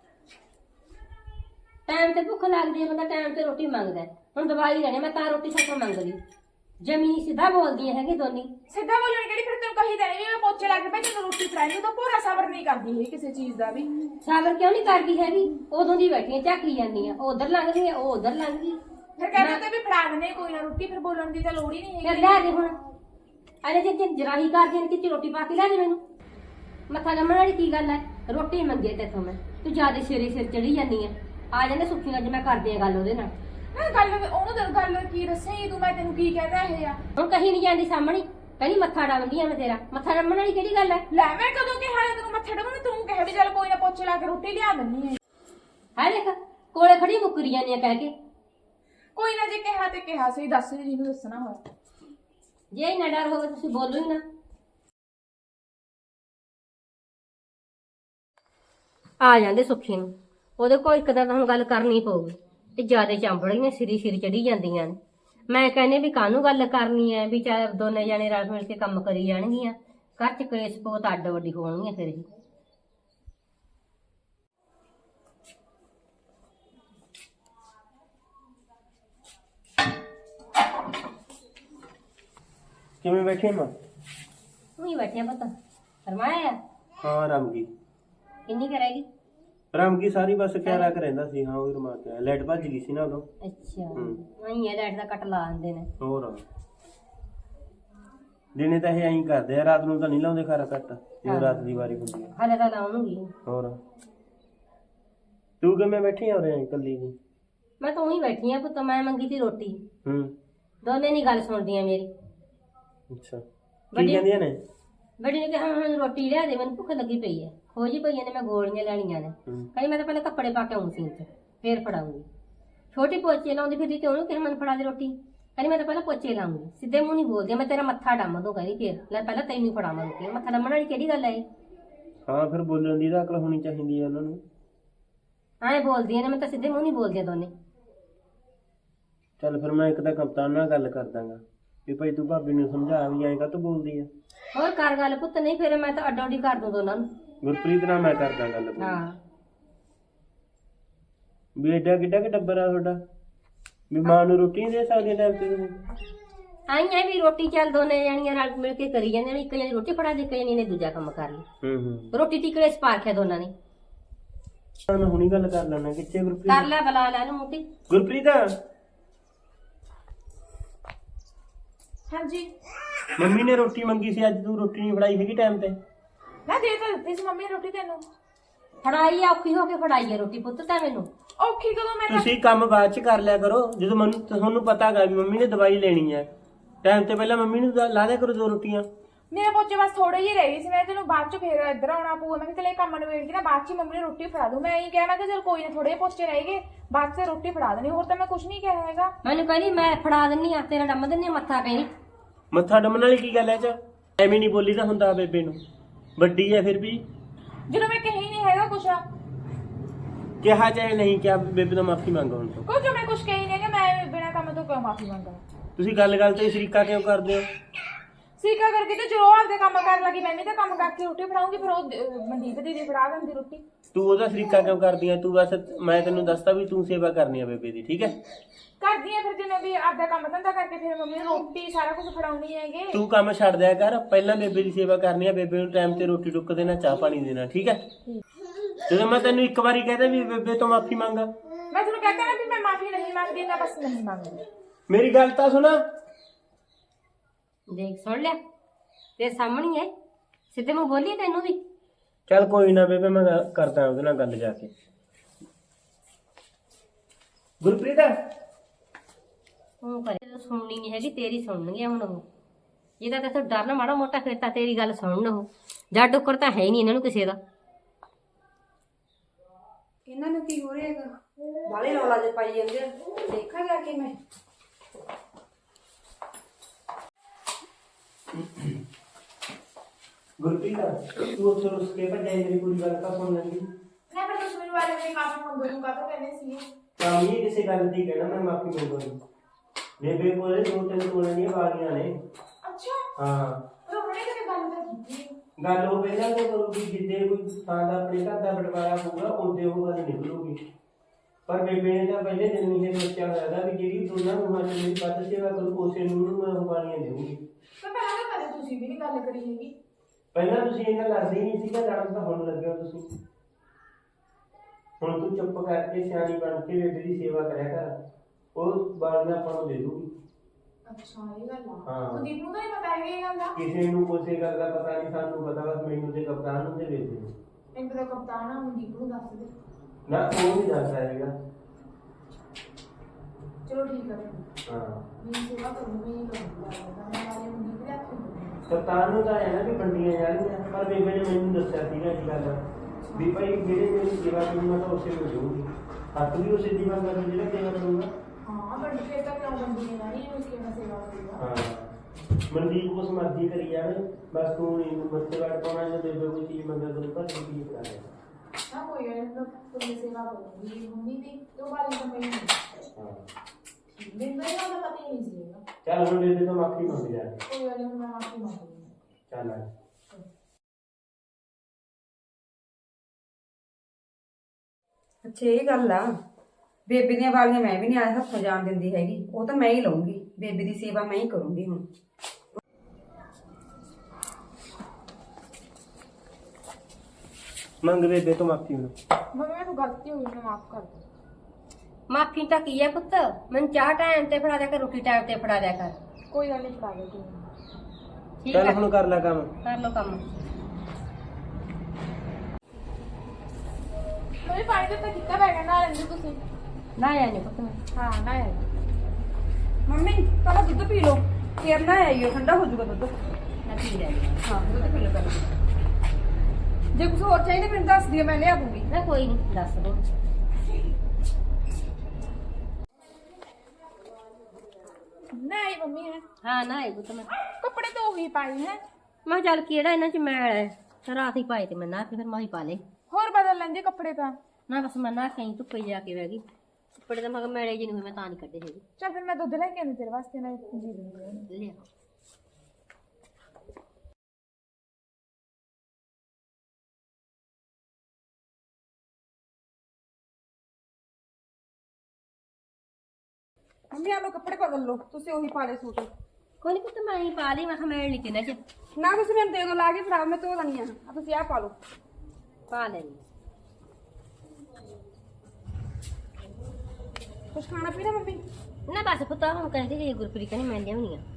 A: ਟਾਈਮ ਤੇ ਭੁੱਖ ਲੱਗਦੀ ਹੈ, ਬੰਦਾ ਟਾਈਮ ਤੇ ਰੋਟੀ ਮੰਗਦਾ। ਹੁਣ ਦਵਾਈ ਲੈਣੀ, ਮੈਂ ਤਾਂ ਰੋਟੀ ਸੱਚੋਂ ਮੰਗ ਲਈ। ਜਮੀ ਸਿੱਧਾ ਬੋਲਦੀਆਂ ਹੈਗੀ ਦੋਨੀ।
B: ਸਿੱਧਾ ਬੋਲਣ ਕਿਹੜੀ, ਫਿਰ ਤੈਨੂੰ ਕਹੀ ਦੇਣੀ ਵੀ ਮੈਂ ਪੋਚੇ ਲਾ ਕੇ ਭਾਈ ਤੈਨੂੰ ਰੋਟੀ ਫੜਾਈ, ਉਹ ਤਾਂ ਪੂਰਾ ਸਬਰ ਨਹੀਂ ਕਰਦੀ ਹੈ ਕਿਸੇ ਚੀਜ਼ ਦਾ ਵੀ।
A: ਸਾਬਰ ਕਿਉਂ ਨਹੀਂ ਕਰਦੀ ਹੈਗੀ, ਉਦੋਂ ਦੀ ਬੈਠੀਆਂ ਝਾਕੀ ਜਾਂਦੀਆਂ, ਉਹ ਉਧਰ ਲੰਘ ਗਈ, ਉਹ ਉਧਰ ਲੰਘ ਗਈ।
B: ਫਿਰ ਕਹਿੰਦੇ ਤੇ ਵੀ ਫੜਾ ਦਿੰਦੇ ਕੋਈ ਨਾ ਰੋਟੀ, ਫਿਰ ਬੋਲਣ ਦੀ ਤਾਂ ਲੋੜ ਹੀ ਨਹੀਂ
A: ਫਿਰ
B: ਹੈਗੀ।
A: ਲੈ ਦੇ ਹੁਣ, ਅਰੇ ਜੇ ਜਰਾਹੀ ਕਰਦੀਆਂ ਨੇ ਕਿ ਰੋਟੀ ਪਾ ਕੇ ਲੈ ਦੇ ਮੈਨੂੰ। ਮੱਥਾ ਡੰਮਣ ਵਾਲੀ ਕੀ ਗੱਲ ਹੈ, ਰੋਟੀ ਮੰਗੇ ਤੇਥੋਂ ਮੈਂ, ਤੂੰ ਜਿਆਦਾ ਸਿਰੇ ਸਿਰ ਚੜੀ ਜਾਂਦੀ ਆ। ਆ ਜਾਂਦੇ ਸੁੱਖੀ ਨਾਲ, ਜੇ ਮੈਂ ਕਰਦੀ ਆ ਗੱਲ ਉਹਦੇ ਨਾਲ।
B: ਨਾ ਗੱਲ ਉਹਨੂੰ ਤਾਂ ਗੱਲ ਕੀ ਦੱਸੇਂਗੀ ਤੂੰ, ਮੈਂ ਤੈਨੂੰ ਕੀ ਕਹਦਾ ਇਹ ਆ।
A: ਹੁਣ ਕਹੀ ਨਹੀਂ ਜਾਂਦੀ ਸਾਹਮਣੇ, ਕਹਿੰਦੀ ਮੱਥਾ ਡੰਮਦੀ ਆ ਮੈਂ ਤੇਰਾ। ਮੱਥਾ ਡੰਮਣ ਵਾਲੀ ਕਿਹੜੀ ਗੱਲ ਹੈ?
B: ਲੈ ਮੈਂ ਕਦੋਂ ਕਿਹਾ ਤੈਨੂੰ ਮੱਥਾ ਡੰਮਣ, ਤੂੰ ਕਹੇ ਵੀ ਚੱਲ ਕੋਈ ਨਾ ਪੋਚੇ ਲਾ ਕੇ ਰੋਟੀ ਲਿਆ ਦਿੰਨੀ ਹੈ।
A: ਹੈ ਦੇਖ ਕੋਲੇ ਖੜੀ ਮੁੱਕਰੀ ਜਾਂਦੀ ਆ ਕਹਿ ਕੇ।
B: ਕੋਈ ਨਾ, ਜੇ ਕਿਹਾ ਤੇ ਕਿਹਾ ਸਹੀ, ਦੱਸ ਦੇ ਜਿਹਨੂੰ ਦੱਸਣਾ ਹੋਇਆ।
A: ਜੇ ਇੰਨਾ ਡਰ ਹੋਵੇ ਤੁਸੀਂ ਬੋਲੋ ਹੀ ਨਾ। ਆ ਜਾਂਦੇ ਸੁੱਖੀ ਨੂੰ, ਉਹਦੇ ਕੋਲ ਇੱਕ ਦਿਨ ਹੁਣ ਗੱਲ ਕਰਨੀ ਪਊਗੀ। ਤੇ ਜਿਆਦਾ ਚਾਂਬੜੀਆਂ ਸਿਰੀ ਸਿਰ ਚੜੀ ਜਾਂਦੀਆਂ ਨੇ। ਮੈਂ ਕਹਿੰਦੀ ਵੀ ਕਾਹਨੂੰ ਗੱਲ ਕਰਨੀ ਹੈ, ਵੀ ਚਾਹੇ ਦੋਨੇ ਜਾਣੇ ਰਲ ਮਿਲ ਕੇ ਕੰਮ ਕਰੀ ਜਾਣਗੀਆਂ, ਘਰ ਚ ਕਲੇਸ਼ ਬਹੁਤ ਅੱਡ ਵੱਡੀ ਹੋਣਗੀਆਂ ਫਿਰ ਹੀ।
C: ਕਿਵੇਂ ਬੈਠੇ ਮਾਂ?
A: ਤੂੰ ਹੀ ਬੈਠਿਆ ਪਤਾ ਫਰਮਾਇਆ।
C: ਹਾਂ ਰਾਮਗੀ
A: ਕਿੰਨੀ ਕਰੇਗੀ?
C: ਰਾਮਗੀ ਸਾਰੀ ਬਸ ਕਿਆ ਰੱਖ ਰਹਿੰਦਾ ਸੀ। ਹਾਂ ਉਹ ਰਮਾ ਕੇ ਲਾਈਟ ਭੱਜ ਗਈ ਸੀ ਨਾ ਉਦੋਂ।
A: ਅੱਛਾ ਨਹੀਂ ਹੈ, ਲਾਈਟ ਦਾ ਕੱਟ ਲਾ ਦਿੰਦੇ ਨੇ।
C: ਹੋਰ ਦਿਨੇ ਤਾਂ ਇਹ ਐਂ ਕਰਦੇ ਆ, ਰਾਤ ਨੂੰ ਤਾਂ ਨਹੀਂ ਲਾਉਂਦੇ ਖਰਾ ਕੱਟ, ਜਦੋਂ ਰਾਤ ਦੀ ਵਾਰੀ ਹੁੰਦੀ ਹੈ।
A: ਹਾਲੇ ਤਾਂ ਲਾਉਣਗੀ।
C: ਹੋਰ ਤੂੰ ਕਿਵੇਂ ਬੈਠੀ ਆ ਉਰੇ ਇਕੱਲੀ ਜੀ?
A: ਮੈਂ ਤਾਂ ਉਹੀ ਬੈਠੀ ਆ ਪੁੱਤ, ਮੈਂ ਮੰਗੀ ਤੀ ਰੋਟੀ।
C: ਹੂੰ
A: ਦੋਨੇ ਨਹੀਂ ਗੱਲ ਸੁਣਦੀਆਂ ਮੇਰੀ।
C: ਅੱਛਾ ਕੀ ਕਹਿੰਦੀਆਂ ਨੇ?
A: ਬੜੀ ਨੇ ਕਿਹਾ ਮੈਨੂੰ ਰੋਟੀ ਲਿਆ ਦੇ, ਮੈਨੂੰ ਭੁੱਖ ਲੱਗੀ ਪਈ ਹੈ, ਖੋਜੀ ਪਈਆਂ ਨੇ, ਮੈਂ ਗੋਲੀਆਂ ਲੈਣੀਆਂ ਨੇ। ਕਹੀ ਮੈਂ ਤਾਂ ਪਹਿਲਾਂ ਕੱਪੜੇ ਪਾ ਕੇ ਆਉਂ ਮਸ਼ੀਨ 'ਚ, ਫੇਰ ਫੜਾਉਂਗੀ। ਛੋਟੀ ਪੋਚੇ ਲਾਉਂਦੀ ਫਿਰਦੀ ਤੇ ਉਹਨੂੰ ਕਿਹਾ ਮੈਨੂੰ ਫੜਾ ਦੇ ਰੋਟੀ, ਕਹਿੰਦੀ ਮੈਂ ਤਾਂ ਪਹਿਲਾਂ ਪੋਚੇ ਲਾਉਂਗੀ। ਸਿੱਧੇ ਮੂੰਹ ਨਹੀਂ ਬੋਲਦੀ, ਮੈਂ ਤੇਰਾ ਮੱਥਾ ਡੰਮ ਦੂੰ। ਕਹਿੰਦੀ ਫੇਰ ਲੈ ਪਹਿਲਾਂ ਤੈਨੂੰ ਫੜਾਵਾਂ ਰੋਟੀ। ਮੱਥਾ ਡੰਮਣ ਵਾਲੀ ਕਿਹੜੀ ਗੱਲ ਹੈ ਇਹ?
C: ਹਾਂ ਫਿਰ ਬੋਲਣ ਦੀ ਤਾਂ ਅਕਲ ਹੋਣੀ ਚਾਹੀਦੀ ਹੈ ਉਹਨਾਂ ਨੂੰ।
A: ਐਂ ਬੋਲਦੀਆਂ ਨੇ, ਮੈਂ ਤਾਂ ਸਿੱਧੇ ਮੂੰਹ ਨਹੀਂ ਬੋਲਦੀਆਂ ਦੋਨੇ।
C: ਚੱਲ ਫਿਰ ਮੈਂ ਇੱਕ ਤਾਂ ਕਪਤਾਨ ਨਾਲ ਗੱਲ ਕਰ ਦਾਂਗਾ ਵੀ ਭਾਈ ਤੂੰ ਭਾਬੀ ਨੂੰ ਸਮਝਾ ਵੀ ਆਏਗਾ ਤੂੰ ਬੋਲਦੀ ਆ।
A: ਹੋਰ ਕਰ ਗੱਲ ਪੁੱਤ, ਨਹੀਂ ਫਿਰ ਮੈਂ ਤਾਂ ਅੱਡੋ ਅੱਡੀ ਕਰ ਦੂੰ ਦੋਨਾਂ ਨੂੰ।
C: ਗੁਰਪ੍ਰੀਤ ਨਾਲ ਮੈਂ ਕਰਦਾ ਗੱਲ।
A: ਹਾਂ
C: ਵੀ ਏਡਾ ਕਿੱਡਾ ਕਿ ਟੱਬਰ ਆ ਤੁਹਾਡਾ, ਵੀ ਮਾਂ ਨੂੰ ਰੋਟੀ ਨਹੀਂ ਦੇ ਸਕਦੇ ਟਾਈਮ ਤੇ ਤੁਸੀਂ?
A: ਆਈ ਐ ਵੀ ਰੋਟੀ ਚੱਲ ਦੋਨੇ ਜਾਣੀਆਂ ਰਲ ਮਿਲ ਕੇ ਕਰੀ ਜਾਂਦੇ ਨੇ। ਇੱਕ ਜਣੀ ਰੋਟੀ ਫੜਾ ਦੇ, ਇੱਕ ਜਣੀ ਨੇ ਦੂਜਾ ਕੰਮ ਕਰ ਲਈ।
C: ਹੂੰ ਹੂੰ
A: ਰੋਟੀ ਟਿਕੜੇ ਸਪਾਰਖਿਆ ਦੋਨਾਂ ਨੇ।
C: ਮੈਂ ਹੁਣੀ ਗੱਲ ਕਰ ਲੈਣਾ। ਕਿੱਥੇ
A: ਕਰ
C: ਗੁਰਪ੍ਰੀਤ?
A: ਲੈ, ਬੁਲਾ ਲੈ ਇਹਨੂੰ ਮੂੰਹ ਤੇ।
C: ਗੁਰਪ੍ਰੀਤ
B: ਹਾਂਜੀ
C: ਮੰਮੀ ਨੇ ਰੋਟੀ ਮੰਗੀ ਸੀ ਅੱਜ, ਤੂੰ ਰੋਟੀ ਨਹੀਂ ਫੜਾਈ ਹੈਗੀ ਟਾਈਮ ਤੇ।
B: ਮੈਂ ਦੇ ਤਾਂ ਦਿੱਤੀ ਸੀ ਮੰਮੀ ਨੇ ਰੋਟੀ ਤੈਨੂੰ।
A: ਫੜਾਈ ਆ, ਔਖੀ ਹੋ ਕੇ ਫੜਾਈ ਆ ਰੋਟੀ ਪੁੱਤ ਤਾਂ ਮੈਨੂੰ।
B: ਔਖੀ ਕਦੋਂ? ਮੈਂ ਤਾਂ
C: ਤੁਸੀਂ ਕੰਮ ਬਾਅਦ ਚ ਕਰ ਲਿਆ ਕਰੋ, ਜਦੋਂ ਮੈਨੂੰ ਤੁਹਾਨੂੰ ਪਤਾ ਹੈਗਾ ਵੀ ਮੰਮੀ ਨੇ ਦਵਾਈ ਲੈਣੀ ਹੈ। ਟਾਈਮ ਤੇ ਪਹਿਲਾਂ ਮੰਮੀ ਨੂੰ ਲਾ ਦਿਆ ਕਰੋ ਦੋ ਰੋਟੀਆਂ।
B: ਮੇਰੇ ਪੋਚੇ ਬਸ ਥੋੜੇ ਜਿਹੇ ਰਹਿ ਗਏ ਸੀ, ਮੈਂ ਤੈਨੂੰ ਬਾਅਦ ਚ ਫੇਰ ਇੱਧਰ ਆਉਣਾ ਪਊਗਾ। ਮੈਂ ਕਿਹਾ ਚਲ ਇਹ ਕੰਮ ਨਵੇੜ ਕੇ ਨਾ ਬਾਅਦ ਚ ਮੰਮੀ ਨੂੰ ਰੋਟੀ ਫੜਾ ਦੂੰ। ਮੈਂ ਇਹੀ ਕਿਹਾ, ਮੈਂ ਕਿਹਾ ਚਲ ਕੋਈ ਨਾ ਥੋੜੇ ਜਿਹੇ ਪੋਚੇ ਰਹਿ ਗਏ, ਬਾਅਦ ਚ ਰੋਟੀ ਫੜਾ ਦੇਣੀ। ਹੋਰ ਤਾਂ ਮੈਂ ਕੁਝ ਨਹੀਂ ਕਿਹਾ ਹੈਗਾ।
A: ਮੈਨੂੰ ਕਹਿੰਦੀ ਮੈਂ ਫੜਾ ਦਿੰਨੀ ਆ, ਤੇਰਾ ਡੰਮ ਦਿੰਨੀ ਆ ਮੱਥਾ। ਕਹਿੰਦੀ
C: ਮੱਥਾ ਡੰਮਣ ਵਾਲੀ ਕੀ ਗੱਲ ਹੈ? ਚ ਐਵੇਂ ਨਹੀਂ ਬੋਲੀ ਤਾਂ ਹੁੰਦਾ ਬੇਬੇ ਨੂੰ, ਵੱਡੀ ਹੈ ਫਿਰ ਵੀ।
B: ਜਦੋਂ ਮੈਂ ਕਹੀ ਨਹੀਂ ਹੈਗਾ ਕੁਛ,
C: ਕਿਹਾ ਚਾਹੇ ਨਹੀਂ ਕਿਹਾ, ਬੇਬੇ ਤੋਂ ਮਾਫੀ ਮੰਗੋ ਹੁਣ ਤੋਂ।
B: ਕੁਝ ਮੈਂ ਕੁਛ ਕਹੀ ਨਹੀਂ ਹੈਗਾ। ਮੈਂ ਬਿਨਾਂ ਕੰਮ ਤੋਂ ਕਿਉਂ ਮਾਫੀ ਮੰਗਾਂ?
C: ਤੁਸੀਂ ਗੱਲ ਗੱਲ ਤੇ ਸ਼ਰੀਕਾ ਕਿਉਂ ਕਰਦੇ ਹੋ?
B: ਸੀਕਾ ਕਰਕੇ ਤੇ ਜਦੋਂ ਆਪਦੇ ਕੰਮ ਕਰਨ ਲੱਗੀ, ਮੈਂ ਵੀ ਤਾਂ ਕੰਮ ਕਰਕੇ ਰੋਟੀ ਫੜਾਉਂਗੀ। ਫਿਰ ਉਹ ਦ- ਮਨਦੀਪ ਦੀਦੀ ਫੜਾ ਦਿੰਦੀ ਰੋਟੀ।
C: ਤੂੰ ਉਹਦਾ ਸ਼ਰੀਕਾ ਕਿਉਂ ਕਰਦੀ ਆ? ਤੂੰ ਬਸ ਮੈਂ ਤੈਨੂੰ ਦੱਸਤਾ ਵੀ ਤੂੰ ਸੇਵਾ ਕਰਨੀ ਆ ਬੇਬੇ ਦੀ, ਠੀਕ ਹੈ?
B: ਕਰਦੀ ਆ ਫਿਰ ਜਿਵੇਂ ਵੀ ਆਪਦਾ ਕੰਮ ਧੰਦਾ ਕਰਕੇ ਫਿਰ ਮੰਮੀ ਨੂੰ ਰੋਟੀ ਸਾਰਾ ਕੁਝ ਫੜਾਉਣੀ ਹੈਗੇ।
C: ਤੂੰ ਕੰਮ ਛੱਡ ਦਿਆ ਕਰ, ਪਹਿਲਾਂ ਬੇਬੇ ਦੀ ਸੇਵਾ ਕਰਨੀ ਆ। ਬੇਬੇ ਨੂੰ ਟਾਈਮ ਤੇ ਰੋਟੀ ਟੁੱਕ ਦੇਣਾ, ਚਾਹ ਪਾਣੀ ਦੇਣਾ, ਠੀਕ ਹੈ? ਜਦੋਂ ਮੈਂ ਤੈਨੂੰ ਇੱਕ ਵਾਰੀ ਕਹਦਾ ਵੀ ਬੇਬੇ ਤੋਂ ਮਾਫੀ ਮੰਗਾ,
B: ਮੈਂ ਤੁਹਾਨੂੰ ਕਹਿੰਦਾ ਨਾ ਵੀ ਮੈਂ ਮਾਫੀ ਨਹੀਂ ਮੰਗਦੀ, ਮੈਂ ਬਸ ਨਹੀਂ ਮੰਗਦੀ।
C: ਮੇਰੀ ਗੱਲ ਤਾਂ ਸੁਣਾ।
A: ਦੇਖ ਸੁਣ ਲਿਆ, ਤੇ ਸਾਹਮਣੀ ਹੈ, ਸਿੱਧੇ ਮੂੰਹ ਬੋਲੀ ਤੈਨੂੰ ਵੀ।
C: ਚੱਲ ਕੋਈ ਨਾ ਬੇਬੇ, ਮੈਂ ਕਰਦਾ ਉਹਦੇ ਨਾਲ ਗੱਲ ਜਾ ਕੇ। ਗੁਰਪ੍ਰੀਤ
A: ਉਹ ਕਰੇ ਸੁਣਨੀ ਨਹੀਂ ਹੈਗੀ, ਤੇਰੀ ਸੁਣਨਗੇ ਹੁਣ ਉਹ। ਇਹਦਾ ਤਾਂ ਤੂੰ ਡਰਨਾ ਮਾੜਾ ਮੋਟਾ, ਫਿਰ ਤਾਂ ਤੇਰੀ ਗੱਲ ਸੁਣਨ ਉਹ। ਜੱਟ ਉੱਕਰ ਤਾਂ ਹੈ ਹੀ ਨਹੀਂ ਇਹਨਾਂ ਨੂੰ ਕਿਸੇ ਦਾ।
B: ਇਹਨਾਂ ਨੂੰ ਕੀ ਹੋ ਰਿਹਾ ਹੈਗਾ? ਬਾਲੇ ਰੌਲਾ ਜੇ ਪਾਈ ਜਾਂਦੇ ਆ, ਦੇਖਾਂ ਜਾ ਕੇ ਮੈਂ।
C: ਗੁਰਪ੍ਰੀਤ ਤੂੰ ਉੱਥੇ ਰੁੱਸ ਕੇ ਭੱਜਾਈ, ਮੇਰੀ ਪੂਰੀ ਗੱਲ ਤਾਂ ਸੁਣ ਲੈਂਦੀ।
D: ਮੈਂ ਪਰ ਦੁਸ਼ਮਣ ਵਾਲੇ ਨੇ ਕਾਫੀ ਮੰਗੋ ਨੂੰ ਕਾਹਤੋਂ ਕਹਿੰਦੇ ਸੀ?
C: ਤਾਂ ਇਹ ਕਿਸੇ ਗੱਲ ਦੀ ਕਹਿਣਾ ਮੈਂ ਮਾਫੀ ਮੰਗੂੰਗੀ। ਬੇਬੇ ਕੋਲੇ ਦੋ ਤਿੰਨ ਤੋਲੇ ਦੀਆਂ ਵਾਲੀਆਂ ਨੇ।
D: ਅੱਛਾ,
C: ਹਾਂ
D: ਪਰ ਉਹਨੇ ਕਦੇ ਗੱਲ ਤਾਂ ਕੀਤੀ?
C: ਗੱਲ ਉਹ ਪਹਿਲਾਂ ਤੇ ਕਰੂਗੀ, ਜਿੱਦੇ ਕੋਈ ਥਾਂ ਦਾ ਆਪਣੇ ਘਰ ਦਾ ਬਟਵਾਰਾ ਹੋਊਗਾ ਉਹਦੇ ਉਹ ਗੱਲ ਨਿਕਲੂਗੀ। ਪਰ ਬੇਬੇ ਨੇ ਤਾਂ ਪਹਿਲੇ ਦਿਨ ਹੀ ਇਹ ਸੋਚਿਆ ਹੋਇਆ ਵੀ ਜਿਹੜੀ ਦੋਨਾਂ ਨੂੰ ਅੱਜ ਮੇਰੀ ਵੱਧ ਸੇਵਾ ਕਰੂ ਉਸੇ ਨੂੰ ਮੈਂ ਉਹ ਵਾਲੀਆਂ ਦੇਵਾਂਗੀ।
D: ਪਰ ਪਹਿਲਾਂ ਤਾਂ ਕਦੇ ਤੁਸੀਂ ਵੀ ਨਹੀਂ ਗੱਲ ਕਰੀ ਹੈਗੀ।
C: ਪਹਿਲਾਂ ਤੁਸੀਂ ਇਹਨਾਂ ਲੜਦੇ ਹੀ ਨਹੀਂ ਸੀਗਾ, ਲੜਨ ਤਾਂ ਹੁਣ ਲੱਗਿਆ ਤੁਸੀਂ। ਹੁਣ ਤੂੰ ਚੁੱਪ ਕਰਕੇ ਸਿਆਣੀ ਬਣ ਕੇ ਬੇਬੇ ਦੀ ਸੇਵਾ ਕਰਿਆ ਕਰ, ਉਹ ਬਾਲੀਆਂ ਆਪਾਂ ਨੂੰ ਦੇ ਦੂਗੀ।
D: ਅੱਛਾ, ਇਹ ਗੱਲ ਆ।
C: ਹਾਂ।
D: ਕੁਲਦੀਪ ਨੂੰ ਤਾਂ ਨਹੀਂ ਪਤਾ ਹੈਗਾ ਇਹ ਗੱਲ ਦਾ?
C: ਕਿਸੇ ਨੂੰ ਕਿਸੇ ਗੱਲ ਦਾ ਪਤਾ ਨਹੀਂ, ਸਾਨੂੰ ਪਤਾ ਬਸ ਮੈਨੂੰ ਤੇ ਕਪਤਾਨ ਨੂੰ ਤੇ ਬੇਬੇ ਨੂੰ।
D: ਮੈਨੂੰ ਪਤਾ ਕਪਤਾਨ ਆ, ਕੁਲਦੀਪ ਨੂੰ ਦੱਸ ਦੇ।
C: ਨਾ ਉਹ ਨਹੀਂ ਦੱਸਦਾ ਹੈਗਾ।
D: ਚਲੋ ਠੀਕ ਹੈ ਫਿਰ।
C: ਹਾਂ
D: ਮੈਂ ਸੇਵਾ ਕਰੂੰਗੀ, ਨਹੀਂ ਕਰੂੰਗੀ। ਮੈਂ ਵਾਲੇ ਕੁਲਦੀਪ ਦੇ ਹੱਥ ਨੂੰ
C: ਕਪਤਾਨ ਨੂੰ ਤਾਂ ਹੈ ਨਾ ਵੀ ਵੰਡੀਆਂ ਜਾਣਗੀਆਂ, ਪਰ ਬੇਬੇ ਨੇ ਮੈਨੂੰ ਦੱਸਿਆ ਸੀਗਾ ਇਹ ਗੱਲ ਵੀ ਭਾਈ ਜਿਹੜੇ ਮੇਰੀ ਸੇਵਾ ਕਰੂ ਮੈਂ ਤਾਂ ਉਸੇ ਨੂੰ ਦੇਵਾਂਗੀ। ਹੱਥ ਵੀ ਉਸੇ ਦੀ ਮੰਗ ਕਰੂ ਜਿਹੜਾ ਸੇਵਾ ਕਰੂੰਗਾ।
D: ਹਾਂ, ਬੜੀ ਫੇਰ ਤਾਂ ਕਿਉਂ ਬੰਦੀ ਹੈ ਨਾ, ਇਹ ਉਸकी ਮੈਂ ਸੇਵਾ ਕਰੂੰਗਾ।
C: ਹਾਂ ਮਨਦੀਪ ਕੁਛ ਮਰਜ਼ੀ ਕਰੀ ਜਾਵੇ, ਬਸ ਤੂੰ ਨਹੀਂ ਮੱਥੇ ਵੜ ਪਾਉਣਾ, ਜੇ ਬੇਬੇ ਕੋਈ ਚੀਜ਼ ਮੰਗਿਆ ਕਰੂ ਪਰ ਤੂੰ ਕੀ ਕਰਾ ਦੇ।
D: ਹਾਂ, ਕੋਈ ਗੱਲ ਨਹੀਂ, ਤੁਮੇ ਸੇਵਾ ਕਰੂੰਗੀ ਮੰਮੀ ਦੀ, ਤੇ ਉਹ ਵਾਲੀ ਤਾਂ ਮੈਨੂੰ ਨਹੀਂ।
C: ਹਾਂ
D: ਮੈਨੂੰ ਇਹ ਗੱਲ ਦਾ ਪਤਾ ਹੀ ਨਹੀਂ ਸੀ ਇਹਦਾ।
C: ਚੱਲ ਹੁਣ ਬੇਬੇ ਤੋਂ ਮਾਫੀ ਮੰਗ ਜਾ।
D: ਕੋਈ ਗੱਲ ਨਹੀਂ, ਮੈਂ ਮਾਫੀ ਮੰਗੂੰਗੀ।
C: ਚੱਲ ਆ।
B: ਅੱਛਾ ਇਹ ਗੱਲ ਆ, ਬੇਬੇ ਦੀਆਂ ਵਾਲੀਆਂ ਮੈਂ ਵੀ ਨਹੀਂ ਆਏ ਹੱਥੋਂ ਜਾਣ ਦਿੰਦੀ ਹੈਗੀ, ਉਹ ਤਾਂ ਮੈਂ ਹੀ ਲਊਂਗੀ। ਬੇਬੇ ਦੀ ਸੇਵਾ ਮੈਂ ਹੀ ਕਰੂੰਗੀ ਹੁਣ।
C: ਮੰਗ ਬੇਬੇ ਤੋਂ ਮਾਫੀ ਹੁਣ।
D: ਮੰਮੀ ਮੈਨੂੰ ਗਲਤੀ ਹੋਈ, ਮੈਨੂੰ ਮਾਫ ਕਰ ਦੇ।
A: ਮਾਫੀ ਤਾਂ ਕੀ ਹੈ ਪੁੱਤ, ਮੈਨੂੰ ਚਾਹ ਟਾਈਮ ਤੇ ਫੜਾ ਦਿਆ ਕਰ, ਰੋਟੀ ਟਾਈਮ ਤੇ ਫੜਾ ਦਿਆ ਕਰ।
D: ਕੋਈ ਗੱਲ ਨਹੀਂ, ਫੜਾ ਦੇ ਤੂੰ।
A: ਠੀਕ
C: ਚੱਲ
A: ਹੈ,
C: ਹੁਣ ਕਰ ਲੈ ਕੰਮ।
A: ਕਰ ਲਓ ਕੰਮ।
D: ਮੰਮੀ ਪਾਣੀ ਦੇ ਤਾਂ ਕਿੱਤਾ ਬੈਠਾ ਨਾ ਲੈਂਦੇ ਤੁਸੀਂ?
A: ਨਾ ਆਇਆ ਨਹੀਂ ਪੁੱਤ ਮੈਂ।
D: ਹਾਂ, ਨਾ ਹੈ।
B: ਮੰਮੀ ਪਹਿਲਾਂ ਦੁੱਧ ਪੀ ਲਓ, ਫੇਰ ਨਾ ਆਈਓ, ਠੰਡਾ ਹੋ ਜਾਊਗਾ ਦੁੱਧ।
A: ਮੈਂ ਪੀ ਲਿਆ ਜੀ।
B: ਹਾਂ ਦੁੱਧ ਪੀ ਲਓ ਪਹਿਲਾਂ। ਜੇ ਕੁਝ ਹੋਰ ਚਾਹੀਦਾ ਮੈਨੂੰ ਦੱਸ ਦਿਓ, ਮੈਂ ਲਿਆ ਦੂੰਗੀ।
A: ਨਾ ਕੋਈ ਨਹੀਂ, ਦੱਸ ਦੋ।
D: ਨਾ ਆਈ ਮੰਮੀ ਹੈ।
A: ਹਾਂ ਨਾ ਆਈ ਪੁੱਤ ਮੈਂ।
D: ਕੱਪੜੇ ਤਾਂ ਉਹੀ ਪਾਏ ਹੈ।
A: ਮੈਂ ਕਿਹਾ ਚੱਲ ਕਿਹੜਾ ਇਹਨਾਂ ਚ ਮੈਲ ਹੈ, ਰਾਤ ਹੀ ਪਾਏ ਤੇ ਮੈਂ ਨਾ ਕੇ ਫਿਰ ਮੈਂ ਹੀ ਪਾ ਲਏ।
D: ਹੋਰ ਬਦਲ ਲੈਂਦੇ ਕੱਪੜੇ ਤਾਂ।
A: ਨਾ ਬਸ ਮੈਂ ਨਾ ਕਹੀਂ ਧੁੱਪੇ ਜਾ ਕੇ ਬਹਿ ਗਈ, ਕੱਪੜੇ ਤਾਂ ਮੈਂ ਕਿਹਾ ਮੈਲੇ ਜਿਹੇ ਨਹੀਂ ਹੋਏ, ਮੈਂ ਤਾਂ ਨਹੀਂ ਕੱਢੇ ਹੈਗੇ।
D: ਚੱਲ ਫਿਰ ਮੈਂ ਦੁੱਧ ਲੈ ਕੇ ਆਉਂਦੀ ਤੇਰੇ ਵਾਸਤੇ, ਨਾ ਜੀ ਦੂੰਗੀ।
A: ਲਿਆ।
B: ਮੰਮੀ ਆ ਲਓ ਕੱਪੜੇ ਬਦਲ ਲਓ, ਤੁਸੀਂ ਉਹੀ ਪਾ ਲਏ ਸੂਟ।
A: ਕੋਈ ਨਹੀਂ ਪੁੱਤ, ਮੈਂ ਹੀ ਪਾ ਲਈ, ਮੈਂ ਕਿਹਾ ਮੈਲ ਨਹੀਂ ਕਿਨਾਂ ਚ।
B: ਨਾ ਤੁਸੀਂ ਮੈਨੂੰ ਦੇ ਦਿਓ ਲਾ ਕੇ, ਫੜਾ ਮੈਂ ਧੋ ਦਣੀ ਆ। ਆ ਤੁਸੀਂ ਆ ਪਾ ਲਓ।
A: ਪਾ ਲੈਣੀ।
B: ਕੁਛ ਖਾਣਾ ਪੀਣਾ ਮੰਮੀ?
A: ਨਾ ਬਸ ਪੁੱਤ, ਹੁਣ ਕਹਿੰਦੀ ਸੀ ਗੁਰਪ੍ਰੀਤ ਨਹੀਂ ਮੈਂ ਲਿਆਉਣੀ ਆ।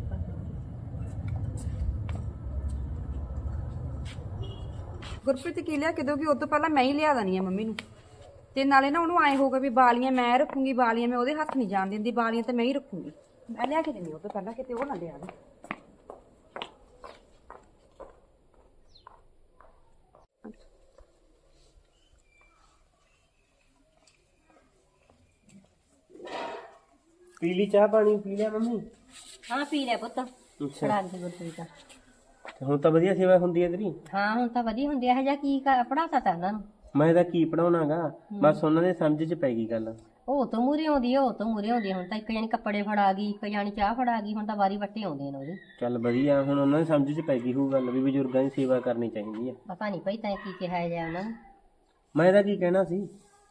B: ਗੁਰਪ੍ਰੀਤ ਕੀ ਲਿਆ ਕੇ ਦੋਗੀ? ਉਹ ਤੋਂ ਪਹਿਲਾਂ ਮੈਂ ਹੀ ਲਿਆ ਦੇਣੀ ਆ ਮੰਮੀ ਨੂੰ। ਤੇ ਨਾਲੇ ਨਾ ਉਹਨੂੰ ਆਏ ਹੋਊਗਾ ਵੀ ਬਾਲੀਆਂ ਮੈਂ ਰੱਖੂੰਗੀ, ਬਾਲੀਆਂ ਮੈਂ ਉਹਦੇ ਹੱਥ ਨਹੀਂ ਜਾਣ ਦਿੰਦੀ, ਬਾਲੀਆਂ ਤਾਂ ਮੈਂ ਹੀ ਰੱਖੂੰਗੀ। ਮੈਂ ਲਿਆ ਕੇ ਦਿੰਦੀ ਉਹ ਤੋਂ ਪਹਿਲਾਂ, ਕਿਤੇ ਉਹ ਨਾ ਲਿਆ ਦੇ।
C: ਪੀ ਲਈ ਚਾਹ ਪਾਣੀ? ਪੀ ਲਿਆ ਮੰਮੀ?
A: ਹਾਂ ਪੀ ਲਿਆ ਪੁੱਤ,
C: ਅੱਛਾ
A: ਫੜਾ ਦੇ ਗੁਰਪ੍ਰੀਤ ਦਾ।
C: ਤੇ ਹੁਣ ਤਾਂ ਵਧੀਆ ਸੇਵਾ ਹੁੰਦੀ ਹੈ ਤੇਰੀ।
A: ਹਾਂ ਹੁਣ ਤਾਂ ਵਧੀਆ ਹੁੰਦੀ ਹੈ, ਜਾਂ ਕੀ ਪੜਾਤਾ ਤਾ ਉਹਨਾਂ ਨੂੰ।
C: ਮੈਂ ਤਾਂ ਕੀ ਪੜਾਉਣਾਗਾ, ਬਸ ਉਹਨਾਂ ਦੇ ਸਮਝ 'ਚ ਪੈ ਗਈ ਗੱਲ।
A: ਉਹ ਤੋਂ ਮੂਰੇ ਆਉਂਦੀ ਹੈ, ਉਹ ਤੋਂ ਮੂਰੇ ਆਉਂਦੀ ਹੈ। ਹੁਣ ਤਾਂ ਇੱਕ ਜਾਣੀ ਕੱਪੜੇ ਫੜਾ ਗਈ, ਇੱਕ ਜਾਣੀ ਚਾਹ ਫੜਾ ਗਈ, ਹੁਣ ਤਾਂ ਵਾਰੀ ਵੱਟੇ ਆਉਂਦੇ ਨੇ ਉਹਦੀ।
C: ਚੱਲ ਵਧੀਆ, ਹੁਣ ਉਹਨਾਂ ਦੇ ਸਮਝ 'ਚ ਪੈ ਗਈ ਹੋਊ ਗੱਲ ਵੀ ਬਜ਼ੁਰਗਾਂ ਦੀ ਸੇਵਾ ਕਰਨੀ ਚਾਹੀਦੀ ਹੈ।
A: ਪਤਾ ਨਹੀਂ ਭਾਈ ਤੈਂ ਕੀ ਕਿਹਾ ਜਾ ਉਹਨਾਂ ਨੂੰ।
C: ਮੈਂ ਤਾਂ ਕੀ ਕਹਿਣਾ ਸੀ,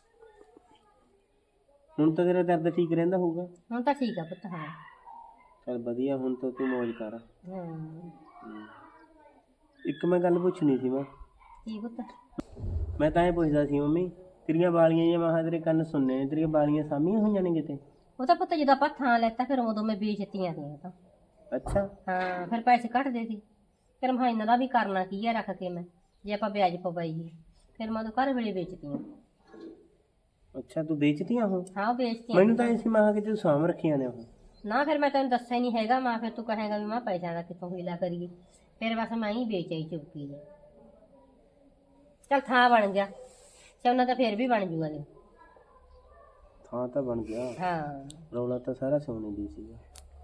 C: ਹੁਣ ਤਾਂ ਤੇਰਾ ਦਰਦ ਠੀਕ ਰਹਿੰਦਾ ਹੋਊਗਾ?
A: ਹੁਣ ਤਾਂ ਠੀਕ ਆ ਪੁੱਤ। ਹਾਂ
C: ਚੱਲ ਵਧੀਆ, ਹੁਣ ਤਾਂ ਤੂੰ ਮੌਜ ਕਰ।
A: ਹਾਂ
C: ਇੱਕ ਮੈਂ ਗੱਲ ਪੁੱਛਣੀ ਸੀ। ਮੈਂ
A: ਕੀ ਪੁੱਤ?
C: ਮੈਂ ਤਾਂ ਇਹ ਪੁੱਛਦਾ ਸੀ ਮੰਮੀ, ਤੇਰੀਆਂ ਬਾਲੀਆਂ ਜਾਂ ਮਹਾਂ ਤੇਰੇ ਕੰਨ ਸੁਣਨੇ ਨੇ, ਤੇਰੀਆਂ ਬਾਲੀਆਂ ਸਾਂਭੀਆਂ ਹੋਈਆਂ ਨੇ ਕਿਤੇ?
A: ਉਹ ਤਾਂ ਪੁੱਤ ਜਦੋਂ ਆਪਾਂ ਥਾਂ ਲੈਤਾ ਫਿਰ ਉਦੋਂ ਮੈਂ ਵੇਚਤੀਆਂ ਸੀ ਉਹ ਤਾਂ।
C: ਅੱਛਾ
A: ਹਾਂ ਫਿਰ ਪੈਸੇ ਘੱਟਦੇ ਸੀ, ਫਿਰ ਮੈਂ ਇਹਨਾਂ ਦਾ ਵੀ ਕਰਨਾ ਕੀ ਹੈ ਰੱਖ ਕੇ, ਮੈਂ ਜੇ ਆਪਾਂ ਵਿਆਜ ਪਵਾਈਏ ਫਿਰ ਮੈਂ ਉਹ ਘਰ ਵੇਲੇ ਵੇਚਤੀਆਂ।
C: ਅੱਛਾ ਤੂੰ ਵੇਚਤੀਆਂ ਉਹ?
A: ਹਾਂ ਉਹ ਵੇਚਤੀਆਂ।
C: ਮੈਨੂੰ ਤਾਂ ਐਸੀ ਮਹਾਂ ਕਿ ਤੂੰ ਸਾਂਭ ਰੱਖੀਆਂ ਨੇ ਉਹ।
A: ਨਾ ਫਿਰ ਮੈਂ ਤੈਨੂੰ ਦੱਸਿਆ ਨਹੀਂ ਹੈਗਾ ਮਾਂ, ਫਿਰ ਤੂੰ ਕਹੇਗਾ ਵੀ ਮਾਂ ਪੈਸਿਆਂ ਦਾ ਕਿੱਥੋਂ ਹੀਲਾ ਕਰੀਏ, ਫਿਰ ਬਸ ਮੈਂ ਹੀ ਵੇਚ ਆਈ ਚੁੱਕੀ ਨੇ। ਚੱਲ ਥਾਂ ਬਣ ਗਿਆ, ਸੋਨਾ ਤਾਂ ਫਿਰ ਵੀ ਬਣ ਜੂਗਾ ਜੀ।
C: ਥਾਂ ਤਾਂ ਬਣ ਗਿਆ,
A: ਹਾਂ
C: ਰੌਲਾ ਤਾਂ ਸਾਰਾ ਸੋਨੇ ਦੀ ਸੀਗਾ।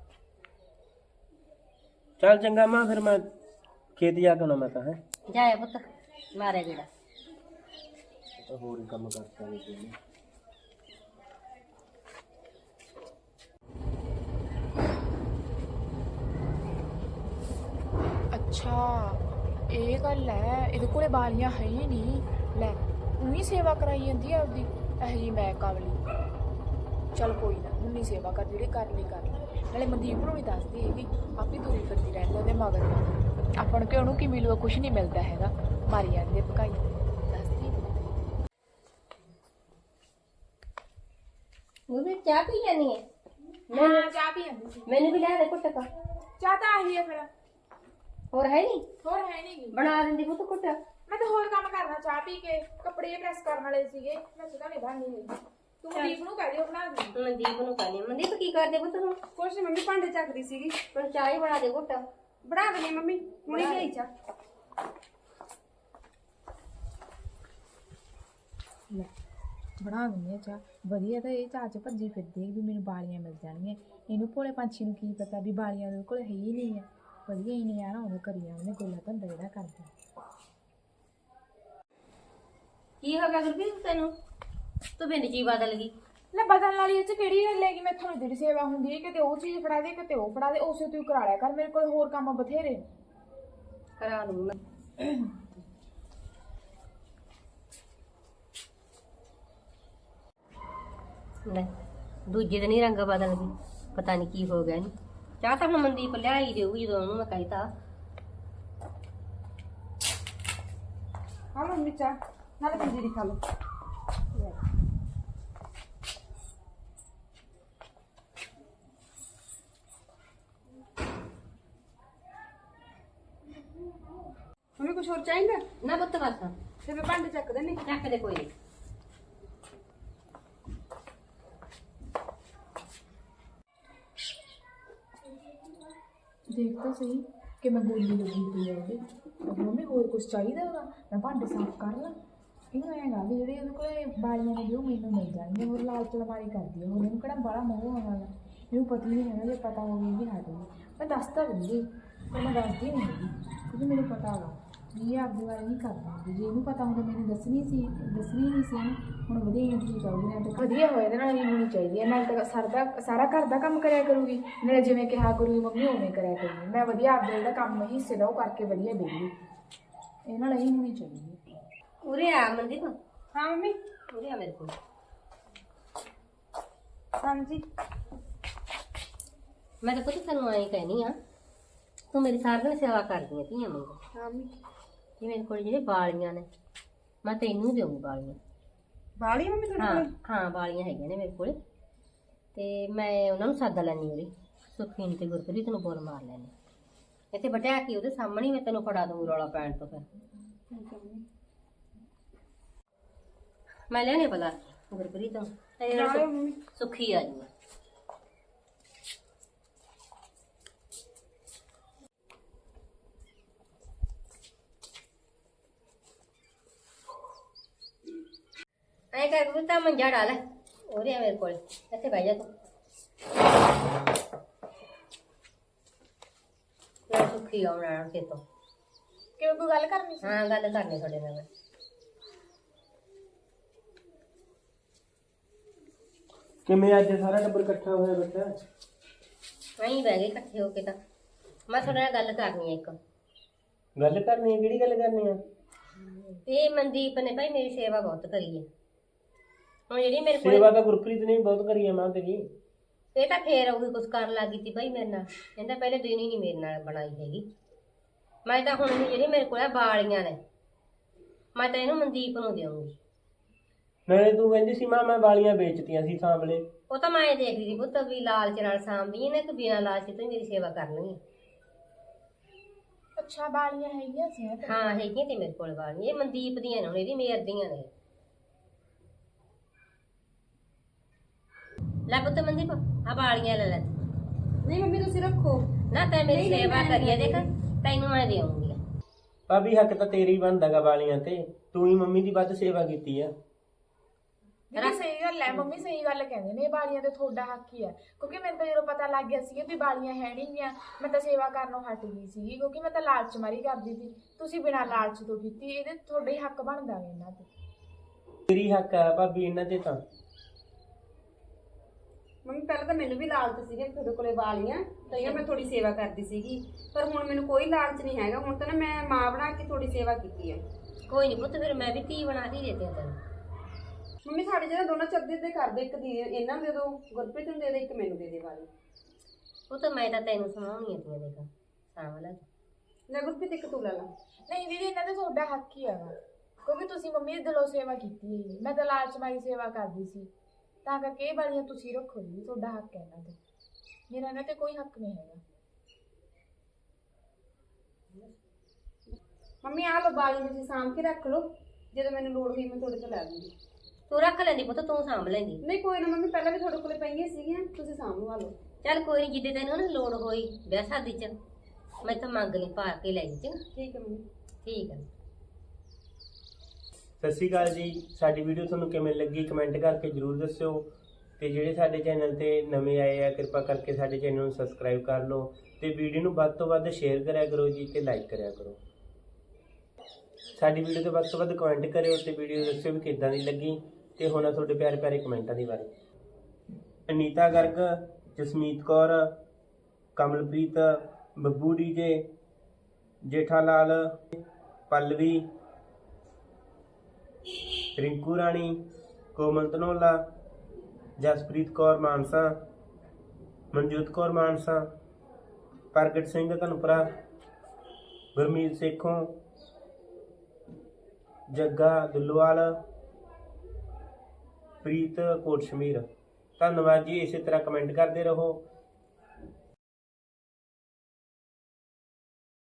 C: ਚੱਲ ਚੰਗਾ ਮਾਂ, ਫਿਰ ਮੈਂ ਖੇਤ ਜਾ ਕੇ ਆਉਣਾ ਮੈਂ ਤਾਂ ਹੈ
A: ਜਾਏ ਪੁੱਤ, ਮਾਰੇ ਗੇੜਾ।
C: ਤਾਂ ਹੋਰ ਹੀ ਕੰਮ ਕਰਤਾ ਨਹੀਂ ਕੋਈ।
B: ਅੱਛਾ ਇਹ ਗੱਲ ਹੈ, ਇਹਦੇ ਕੋਲੇ ਬਾਲੀਆਂ ਹੈ ਹੀ ਨਹੀਂ। ਲੈ ਉਹੀ ਸੇਵਾ ਕਰਾਈ ਜਾਂਦੀ ਆ ਆਪਦੀ, ਇਹ ਜੀ ਮੈਂ ਕਾਬਲੀ। ਚੱਲ ਕੋਈ ਨਾ, ਹੁਣ ਨਹੀਂ ਸੇਵਾ ਕਰ, ਜਿਹੜੇ ਕਰ ਲਈ ਕਰ ਲਈ। ਨਾਲੇ ਮਨਦੀਪ ਨੂੰ ਵੀ ਦੱਸਦੀ ਹੈਗੀ, ਆਪੀ ਤੁਰੀ ਫਿਰਦੀ ਰਹਿੰਦੀ ਉਹਦੇ ਮਗਰ ਮਗਰ। ਆਪਾਂ ਨੂੰ ਕਿ ਉਹਨੂੰ ਕੀ ਮਿਲੂਗਾ, ਕੁਛ ਨਹੀਂ ਮਿਲਦਾ ਹੈਗਾ, ਮਾਰੀ ਜਾਂਦੇ ਭਕਾਈ। ਦੱਸਦੀ
A: ਉਹ ਵੀ ਚਾਹ ਪੀ ਜਾਨੀ ਹੈ?
B: ਮੈਂ ਚਾਹ ਪੀ ਜਾਂਦੀ ਸੀ।
A: ਮੈਨੂੰ ਵੀ ਲੈ ਦੇ ਘੁੱਟ ਕਾ।
B: ਚਾਹ ਤਾਂ ਆਹੀ ਹੈ ਫਿਰ,
A: ਹੋਰ ਹੈ ਨਹੀਂ?
B: ਹੋਰ ਹੈ ਨਹੀਂ।
A: ਬਣਾ ਦਿੰਦੀ ਪੁੱਤ ਘੁੱਟ।
B: ਮੈਂ ਤਾਂ ਹੋਰ ਕੰਮ ਕਰਨਾ, ਚਾਹ ਪੀ ਕੇ ਕੱਪੜੇ ਪ੍ਰੈਸ ਕਰਨ ਵਾਲੇ ਸੀਗੇ, ਮੈਂ ਸੁਧਾ ਨਹੀਂ ਬਣਨੀ ਹੈਗੀ। ਤੂੰ ਮਨਦੀਪ ਨੂੰ ਕਹਿ ਦਿਓ ਬਣਾ ਦੇ।
A: ਮਨਦੀਪ ਨੂੰ ਕਹਿੰਦੀ, ਮਨਦੀਪ ਕੀ ਕਰਦੇ ਪੁੱਤ ਤੂੰ?
B: ਕੁਛ ਨੀ ਮੰਮੀ, ਭਾਂਡੇ ਚੱਕਦੀ ਸੀਗੀ।
A: ਹੁਣ ਚਾਹ ਹੀ ਬਣਾ ਦੇ ਘੁੱਟ।
B: ਬਣਾ ਦੇਣੀ ਮੰਮੀ, ਹੁਣੇ ਗਈ ਚਾਹ। ਲੈ ਬਣਾ ਦਿੰਦੀ ਆ ਚਾਹ। ਵਧੀਆ ਤਾਂ ਇਹ ਚਾਹ ਚ ਭੱਜੀ ਫਿਰਦੀ ਵੀ ਮੈਨੂੰ ਬਾਲੀਆਂ ਮਿਲ ਜਾਣਗੀਆਂ। ਇਹਨੂੰ ਭੋਲੇ ਪੰਛੀ ਨੂੰ ਕੀ ਪਤਾ ਵੀ ਬਾਲੀਆਂ ਦੇ ਕੋਲ ਹੈ ਹੀ ਨਹੀਂ ਹੈ। ਵਧੀਆ ਹੀ ਨਹੀਂ ਆਣਾ ਉਹਨੇ ਕਰੀ ਉਹਨੇ ਗੋਲਾ ਧੰਦਾ ਜਿਹੜਾ ਕਰਦਾ।
A: ਕੀ ਹੋ ਗਿਆ ਗੁਰਪ੍ਰੀਤ ਤੈਨੂੰ? ਤੂੰ ਬਿੰਦ ਜੀ ਬਦਲ ਗਈ।
B: ਲੈ ਬਦਲਣ ਵਾਲੀ ਇਹ ਚ ਕਿਹੜੀ ਗੱਲ ਹੈਗੀ? ਮੈਂ ਤੁਹਾਨੂੰ ਜਿਹੜੀ ਸੇਵਾ ਹੁੰਦੀ ਹੈ, ਕਿਤੇ ਉਹ ਚੀਜ਼ ਫੜਾ ਦੇ ਕਿਤੇ ਉਹ ਫੜਾ ਦੇ, ਉਸੇ ਤੂੰ ਕਰਾ ਲਿਆ ਕਰ। ਮੇਰੇ ਕੋਲ ਹੋਰ ਕੰਮ ਬਥੇਰੇ ਨੇ।
A: ਕਰਾ ਦੂੰ ਮੈਂ। ਲੈ ਦੂਜੇ ਦਿਨ ਹੀ ਰੰਗ ਬਦਲ ਗਈ, ਪਤਾ ਨਹੀਂ ਕੀ ਹੋ ਗਿਆ ਇਹਨੂੰ। ਚਾਹ ਤਾਂ ਹੁਣ ਮਨਦੀਪ ਲਿਆ ਹੀ ਦੇਊਗੀ ਜਦੋਂ ਉਹਨੂੰ ਮੈਂ ਕਹਿਤਾ।
B: ਹਾਂ ਮੰਮੀ ਚਾਹ, ਨਾਲੇ ਪੰਜੀਰੀ ਖਾ ਲਓ। ਮੰਮੀ ਕੁਛ ਹੋਰ ਚਾਹੀਦਾ?
A: ਨਾ ਪੁੱਤ ਬਸ
B: ਤੇ ਮੈਂ ਭਾਂਡੇ ਚੱਕ ਦੇਣੀ।
A: ਚੱਕ ਦੇ ਕੋਈ ਨਹੀਂ।
B: ਦੇਖ ਤਾਂ ਸਹੀ ਕਿ ਮੈਂ ਬੋਲੀ ਲੱਗੀ ਪਈ ਆ ਉਹਦੇ। ਮੰਮੀ ਹੋਰ ਕੁਛ ਚਾਹੀਦਾ ਹੋਗਾ, ਮੈਂ ਭਾਂਡੇ ਸਾਫ਼ ਕਰ ਲਾਂ। ਇਹਨੂੰ ਐਂ ਗਾ ਵੀ ਜਿਹੜੇ ਉਹਦੇ ਕੋਲੇ ਬਾਲੀਆਂ ਨੇ ਉਹ ਮੈਨੂੰ ਮਿਲ ਜਾਣਗੀਆਂ। ਹੋਰ ਲਾਲਚ ਲਮਾਰੀ ਕਰਦੀ ਆ, ਹੋਰ ਇਹਨੂੰ ਕਿਹੜਾ ਬੜਾ ਮੋਹ ਆਉਣਾ ਗਾ। ਇਹਨੂੰ ਪਤਾ ਹੀ ਨਹੀਂ ਹੈਗਾ, ਜੇ ਪਤਾ ਹੋਵੇ ਵੀ ਹਟ ਗਈ। ਮੈਂ ਦੱਸ ਤਾਂ ਦਿੰਦੀ, ਪਰ ਮੈਂ ਦੱਸਦੀ ਨਹੀਂ ਹੈਗੀ ਕਿਉਂਕਿ ਮੈਨੂੰ ਪਤਾ ਵਾ ਵੀ ਇਹ ਆਪਦੀ ਵਾਰੀ ਨਹੀਂ ਕਰਦੀ। ਜੇ ਇਹਨੂੰ ਪਤਾ ਹੁੰਦਾ ਮੈਨੂੰ ਦੱਸਣੀ ਸੀ, ਦੱਸਣੀ ਨਹੀਂ ਸੀ ਇਹਨੂੰ। ਹੁਣ ਵਧੀਆ ਹੀ ਹੋਣੀ ਚਾਹੀਦੀ ਹੈ, ਤੇ ਵਧੀਆ ਹੋਏ ਇਹਦੇ ਨਾਲ ਹੀ ਹੋਣੀ ਚਾਹੀਦੀ ਹੈ। ਨਾਲ ਤਾਂ ਸਰਦਾ ਸਾਰਾ ਘਰ ਦਾ ਕੰਮ ਕਰਿਆ ਕਰੂਗੀ, ਨਾਲੇ ਜਿਵੇਂ ਕਿਹਾ ਕਰੂਗੀ ਮੰਮੀ ਉਵੇਂ ਕਰਿਆ ਕਰੂਗੀ। ਮੈਂ ਵਧੀਆ ਆਪਦਾ ਜਿਹੜਾ ਕੰਮ ਹਿੱਸੇ ਦਾ ਉਹ ਕਰਕੇ ਵਧੀਆ ਦੇਗੀ। ਇਹ ਨਾਲ ਇਹੀ ਹੋਣੀ ਚਾਹੀਦੀ ਹੈ।
A: ਉਰੇ ਆ ਮਨਦੀਪ।
B: ਹਾਂ ਮੰਮੀ।
A: ਉਰੇ ਆ ਮੇਰੇ ਕੋਲ।
B: ਹਾਂਜੀ
A: ਮੈਂ ਤਾਂ ਪੁੱਤ ਤੈਨੂੰ ਐਂ ਕਹਿਨੀ ਆ, ਤੂੰ ਮੇਰੀ ਸਾਰਾ ਦਿਨ ਸੇਵਾ ਕਰਦੀ ਆ ਧੀਆਂ ਵਾਂਗੂ।
B: ਹਾਂ ਮੰਮੀ।
A: ਇਹ ਮੇਰੇ ਕੋਲ ਜਿਹੜੇ ਬਾਲੀਆਂ ਨੇ, ਮੈਂ ਤੈਨੂੰ ਦੇਊਂ ਬਾਲੀਆਂ।
B: ਬਾਲੀ ਮੰਮੀ ਤੁਹਾਡੇ
A: ਹਾਂ
B: ਕੋਲ?
A: ਹਾਂ ਬਾਲੀਆਂ ਹੈਗੀਆਂ ਨੇ ਮੇਰੇ ਕੋਲ, ਤੇ ਮੈਂ ਉਹਨਾਂ ਨੂੰ ਸੱਦ ਲੈਣੀ ਉਰੇ। ਸੁਖੀਨ ਤੇ ਗੁਰਪ੍ਰੀਤ ਨੂੰ ਬੋਲ ਮਾਰ ਲੈਣੀ ਇੱਥੇ ਬਟਿਆ ਕੇ ਉਹਦੇ ਸਾਹਮਣੇ। ਮੈਂ ਤੈਨੂੰ ਫੜਾ ਦੂੰ ਰੌਲਾ ਪੈਣ ਤੋਂ। ਫਿਰ ਮੈਂ ਲੈਣੇ ਬਲਾ ਗੁਰਪ੍ਰੀਤ ਨੂੰ, ਤੇ
B: ਨਾਲੇ ਮੰਮੀ
A: ਸੁਖੀ ਆ ਜੂਗਾ। ਐ ਕਰ ਤੂੰ ਤਾਂ ਮੰਜਾ ਡਾਲ ਉਹਦੇ ਆ ਮੇਰੇ ਕੋਲ, ਇੱਥੇ ਬਹਿ ਜਾ ਤੂੰ। ਲੈ ਸੁਖੀ ਆਉਣਾ ਕੇ ਤੋਂ।
B: ਕਿਉਂ ਕੋਈ ਗੱਲ ਕਰਨੀ ਸੀ?
A: ਹਾਂ ਗੱਲ ਕਰਨੀ ਤੁਹਾਡੇ ਨਾਲ।
C: ਕਿਵੇਂ ਅੱਜ ਸਾਰਾ ਟੱਬਰ ਇਕੱਠਾ ਹੋਇਆ ਬੱਚਾ?
A: ਨਹੀਂ ਬਹਿ ਗਏ ਇਕੱਠੇ ਹੋ ਕੇ। ਤਾਂ ਮੈਂ ਤੁਹਾਡੇ ਨਾਲ ਗੱਲ ਕਰਨੀ ਹੈ ਇੱਕ।
C: ਗੱਲ ਕਰਨੀ ਹੈ? ਕਿਹੜੀ ਗੱਲ ਕਰਨੀ ਆ?
A: ਇਹ ਮਨਦੀਪ ਨੇ ਭਾਈ ਮੇਰੀ ਸੇਵਾ ਬਹੁਤ ਕਰੀ ਹੈ। ਹੁਣ ਜਿਹੜੀ ਮੇਰੇ ਕੋਲ
C: ਸੇਵਾ ਤਾਂ ਗੁਰਪ੍ਰੀਤ ਨੇ ਵੀ ਬਹੁਤ ਕਰੀ ਹੈ ਮਾਂ ਤੇਰੀ।
A: ਇਹ ਤਾਂ ਫੇਰ ਉਹੀ ਕੁਛ ਕਰਨ ਲੱਗ ਗਈ ਸੀ ਭਾਈ ਮੇਰੇ ਨਾਲ। ਕਹਿੰਦਾ ਪਹਿਲੇ ਦਿਨ ਹੀ ਨਹੀਂ ਮੇਰੇ ਨਾਲ ਬਣਾਈ ਹੈਗੀ। ਮੈਂ ਤਾਂ ਹੁਣ ਜਿਹੜੀ ਮੇਰੇ ਕੋਲ ਆ ਬਾਲੀਆਂ ਨੇ, ਮੈਂ ਤਾਂ ਇਹਨੂੰ ਮਨਦੀਪ ਨੂੰ ਦੇਵਾਂਗੀ।
C: ਨਾਲੇ ਤੂੰ ਕਹਿੰਦੀ ਸੀ ਮਾਂ ਮੈਂ ਵਾਲੀਆਂ ਵੇਚਤੀਆਂ ਸੀ ਸਾਂਭਲੇ।
A: ਉਹ ਤਾਂ ਮੈਂ ਇਹ ਦੇਖਦੀ ਸੀ ਪੁੱਤ ਵੀ ਲਾਲਚ ਨਾਲ ਸਾਂਭਦੀ ਨੇ ਕਿ ਬਿਨਾਂ ਲਾਲਚ ਤੋਂ ਮੇਰੀ ਸੇਵਾ ਕਰਨੀ ਹੈ।
B: ਅੱਛਾ ਬਾਲੀਆਂ ਹੈਗੀਆਂ ਸੀ?
A: ਹਾਂ ਹੈਗੀਆਂ ਤੇ ਮੇਰੇ ਕੋਲ ਬਾਲੀਆਂ। ਇਹ ਮਨਦੀਪ ਦੀਆਂ ਨੇ, ਹੁਣ ਇਹਦੀ ਮੇਰ ਦੀਆਂ ਨੇ। ਲੈ ਪੁੱਤ ਮਨਦੀਪ ਆ ਬਾਲੀਆਂ ਲੈ ਲੈ।
B: ਨਹੀਂ ਮੰਮੀ ਤੁਸੀਂ ਰੱਖੋ।
A: ਨਾ ਤੈਂ ਮੇਰੀ
B: ਨਹੀਂ, ਨਹੀਂ,
A: ਸੇਵਾ
B: ਮੈਂ-
A: ਕਰੀਏ ਦੇਖ, ਤੈਨੂੰ ਮੈਂ ਦੇਵਾਂਗੀ।
C: ਭਾਬੀ ਹੱਕ ਤਾਂ ਤੇਰੀ ਬਣਦਾਗਾ ਵਾਲੀਆਂ ਤੇ, ਤੂੰ ਹੀ ਮੰਮੀ ਦੀ ਵੱਧ ਸੇਵਾ ਕੀਤੀ ਆ।
D: ਦੀਦੀ ਸਹੀ ਗੱਲ ਹੈ, ਮੰਮੀ ਸਹੀ ਗੱਲ ਕਹਿੰਦੇ ਨੇ, ਬਾਲੀਆਂ ਤੇ ਤੁਹਾਡਾ ਹੱਕ ਹੀ ਹੈ। ਕਿਉਂਕਿ ਮੈਨੂੰ ਤਾਂ ਜਦੋਂ ਪਤਾ ਲੱਗ ਗਿਆ ਸੀ ਵੀ ਬਾਲੀਆਂ ਹੈ ਨਹੀਂ ਗੀਆਂ, ਮੈਂ ਤਾਂ ਸੇਵਾ ਕਰਨੋਂ ਹਟ ਗਈ ਸੀ, ਕਿਉਂਕਿ ਮੈਂ ਤਾਂ ਲਾਲਚ ਮਾਰੀ ਕਰਦੀ ਸੀ। ਤੁਸੀਂ ਬਿਨਾਂ ਲਾਲਚ ਤੋਂ ਕੀਤੀ, ਇਹਦੇ ਤੁਹਾਡਾ ਹੀ ਹੱਕ ਬਣਦਾ ਵੇ ਇਹਨਾਂ ਤੇ।
C: ਤੇਰੀ ਹੱਕ ਆ ਭਾਬੀ ਇਹਨਾਂ ਤੇ ਤਾਂ।
B: ਮੰਮੀ ਪਹਿਲਾਂ ਤਾਂ ਮੈਨੂੰ ਵੀ ਲਾਲਚ ਸੀਗਾ ਤੁਹਾਡੇ ਕੋਲੇ ਵਾਲੀਆਂ, ਤਾਂ ਮੈਂ ਥੋੜੀ ਸੇਵਾ ਕਰਦੀ ਸੀਗੀ, ਪਰ ਹੁਣ ਮੈਨੂੰ ਕੋਈ ਲਾਲਚ ਨਹੀਂ ਹੈਗਾ। ਹੁਣ ਤਾਂ ਨਾ ਮੈਂ ਮਾਂ ਬਣਾ ਕੇ ਥੋੜੀ ਸੇਵਾ ਕੀਤੀ ਹੈ।
A: ਕੋਈ ਨਹੀਂ ਪੁੱਤ, ਫਿਰ ਮੈਂ ਵੀ ਧੀ ਬਣਾ ਕੇ ਦੇ ਦਿਆਂ ਤੈਨੂੰ।
B: ਮੰਮੀ ਸਾਡੇ ਜਿਹੜਾ ਦੋਨਾਂ ਚ ਅੱਧੇ ਅੱਧੇ ਕਰਦੇ, ਇੱਕ ਦੀ ਇਹਨਾਂ ਨੂੰ ਦੇ ਦੋ, ਗੁਰਪ੍ਰੀਤ ਨੂੰ ਦੇ ਦੇ, ਇੱਕ ਮੈਨੂੰ ਦੇ ਦੇ ਵਾਲੀ।
A: ਪੁੱਤ ਮੈਂ ਤਾਂ ਤੈਨੂੰ ਸੁਣਾਉਣੀ ਆ ਤੀਆਂ ਦੇਖ ਸਾਂਭ ਲੈ।
B: ਲੈ ਗੁਰਪ੍ਰੀਤ ਇੱਕ ਤੂੰ ਲੈ ਲਾ।
D: ਨਹੀਂ ਦੀਦੀ ਇਹਨਾਂ ਤੇ ਤੁਹਾਡਾ ਹੱਕ ਹੀ ਹੈਗਾ, ਕਿਉਂਕਿ ਤੁਸੀਂ ਮੰਮੀ ਦੀ ਦਿਲੋਂ ਸੇਵਾ ਕੀਤੀ ਹੈ। ਮੈਂ ਤਾਂ ਲਾਲਚ ਮਾਰੀ ਸੇਵਾ ਕਰਦੀ ਸੀ, ਤਾਂ ਕਰਕੇ ਇਹ ਵਾਲੀਆਂ ਤੁਸੀਂ ਰੱਖੋ ਜੀ, ਤੁਹਾਡਾ ਹੱਕ ਹੈ ਇਹਨਾਂ ਤੇ, ਮੇਰਾ ਇਹਨਾਂ ਤੇ ਕੋਈ ਹੱਕ ਨਹੀਂ ਹੈਗਾ।
B: ਮੰਮੀ ਆਹ ਲੋ ਵਾਲੀ ਤੁਸੀਂ ਸਾਂਭ ਕੇ ਰੱਖ ਲਓ, ਜਦੋਂ ਮੈਨੂੰ ਲੋੜ ਹੋਈ ਮੈਂ ਤੁਹਾਡੇ ਤੋਂ ਲੈ ਲੂੰਗੀ।
A: ਤੂੰ ਰੱਖ ਲੈਂਦੀ ਪੁੱਤ, ਤੂੰ ਸਾਂਭ ਲੈਂਦੀ।
B: ਨਹੀਂ ਕੋਈ ਨਾ ਮੰਮੀ, ਪਹਿਲਾਂ ਵੀ ਤੁਹਾਡੇ ਕੋਲੇ ਪਈਆਂ ਸੀਗੀਆਂ, ਤੁਸੀਂ ਸਾਂਭ ਲਓ।
A: ਚੱਲ ਕੋਈ ਨਹੀਂ, ਜਿੱਦੇ ਤੈਨੂੰ ਨਾ ਲੋੜ ਹੋਈ ਵਿਆਹ ਸ਼ਾਦੀ ਚ ਮੈਂ ਤਾਂ ਮੰਗ ਲਈ, ਪਾ ਕੇ ਲੈ ਜੀ।
B: ਠੀਕ ਹੈ ਮੰਮੀ।
A: ਠੀਕ ਹੈ।
C: ਸਤਿ ਸ਼੍ਰੀ ਅਕਾਲ ਜੀ। ਸਾਡੀ ਵੀਡੀਓ ਤੁਹਾਨੂੰ ਕਿਵੇਂ ਲੱਗੀ ਕਮੈਂਟ ਕਰਕੇ ਜਰੂਰ ਦੱਸਿਓ, ਤੇ ਜਿਹੜੇ ਸਾਡੇ ਚੈਨਲ ਤੇ ਨਵੇਂ ਆਏ ਆ ਕਿਰਪਾ ਕਰਕੇ ਸਾਡੇ ਚੈਨਲ ਨੂੰ ਸਬਸਕ੍ਰਾਈਬ ਕਰ ਲਓ, ਤੇ ਵੀਡੀਓ ਨੂੰ ਵੱਧ ਤੋਂ ਵੱਧ ਸ਼ੇਅਰ ਕਰਿਆ ਕਰੋ ਜੀ, ਤੇ ਲਾਈਕ ਕਰਿਆ ਕਰੋ। ਸਾਡੀ ਵੀਡੀਓ ਤੇ ਵੱਧ ਤੋਂ ਵੱਧ ਕਮੈਂਟ ਕਰਿਓ, ਤੇ ਵੀਡੀਓ ਦੱਸਿਓ ਵੀ ਕਿੱਦਾਂ ਦੀ ਲੱਗੀ, ਤੇ ਹੁਣ ਤੁਹਾਡੇ ਪਿਆਰੇ ਪਿਆਰੇ ਕਮੈਂਟਾਂ ਦੀ ਬਾਰੇ। ਅਨੀਤਾ ਗਰਗ, ਜਸਮੀਤ ਕੌਰ, ਕਮਲਪ੍ਰੀਤ, ਬੱਬੂ ਡੀਜੇ, ਜੇਠਾ ਲਾਲ, ਪੱਲਵੀ, ਰਿੰਕੂ ਰਾਣੀ, ਕੋਮਲ ਧਨੋਲਾ, ਜਸਪ੍ਰੀਤ ਕੌਰ ਮਾਨਸਾ, ਮਨਜੋਤ ਕੌਰ ਮਾਨਸਾ, ਪ੍ਰਗਟ ਸਿੰਘ ਧਨਪੁਰਾ, ਗੁਰਮੀਤ ਸੇਖੋਂ, ਜੱਗਾ ਦੁੱਲੋਵਾਲ, ਪ੍ਰੀਤ ਕੋਟਸ਼ਮੀਰ। ਧੰਨਵਾਦ ਜੀ। ਇਸੇ ਤਰ੍ਹਾਂ ਕਮੈਂਟ ਕਰਦੇ ਰਹੋ।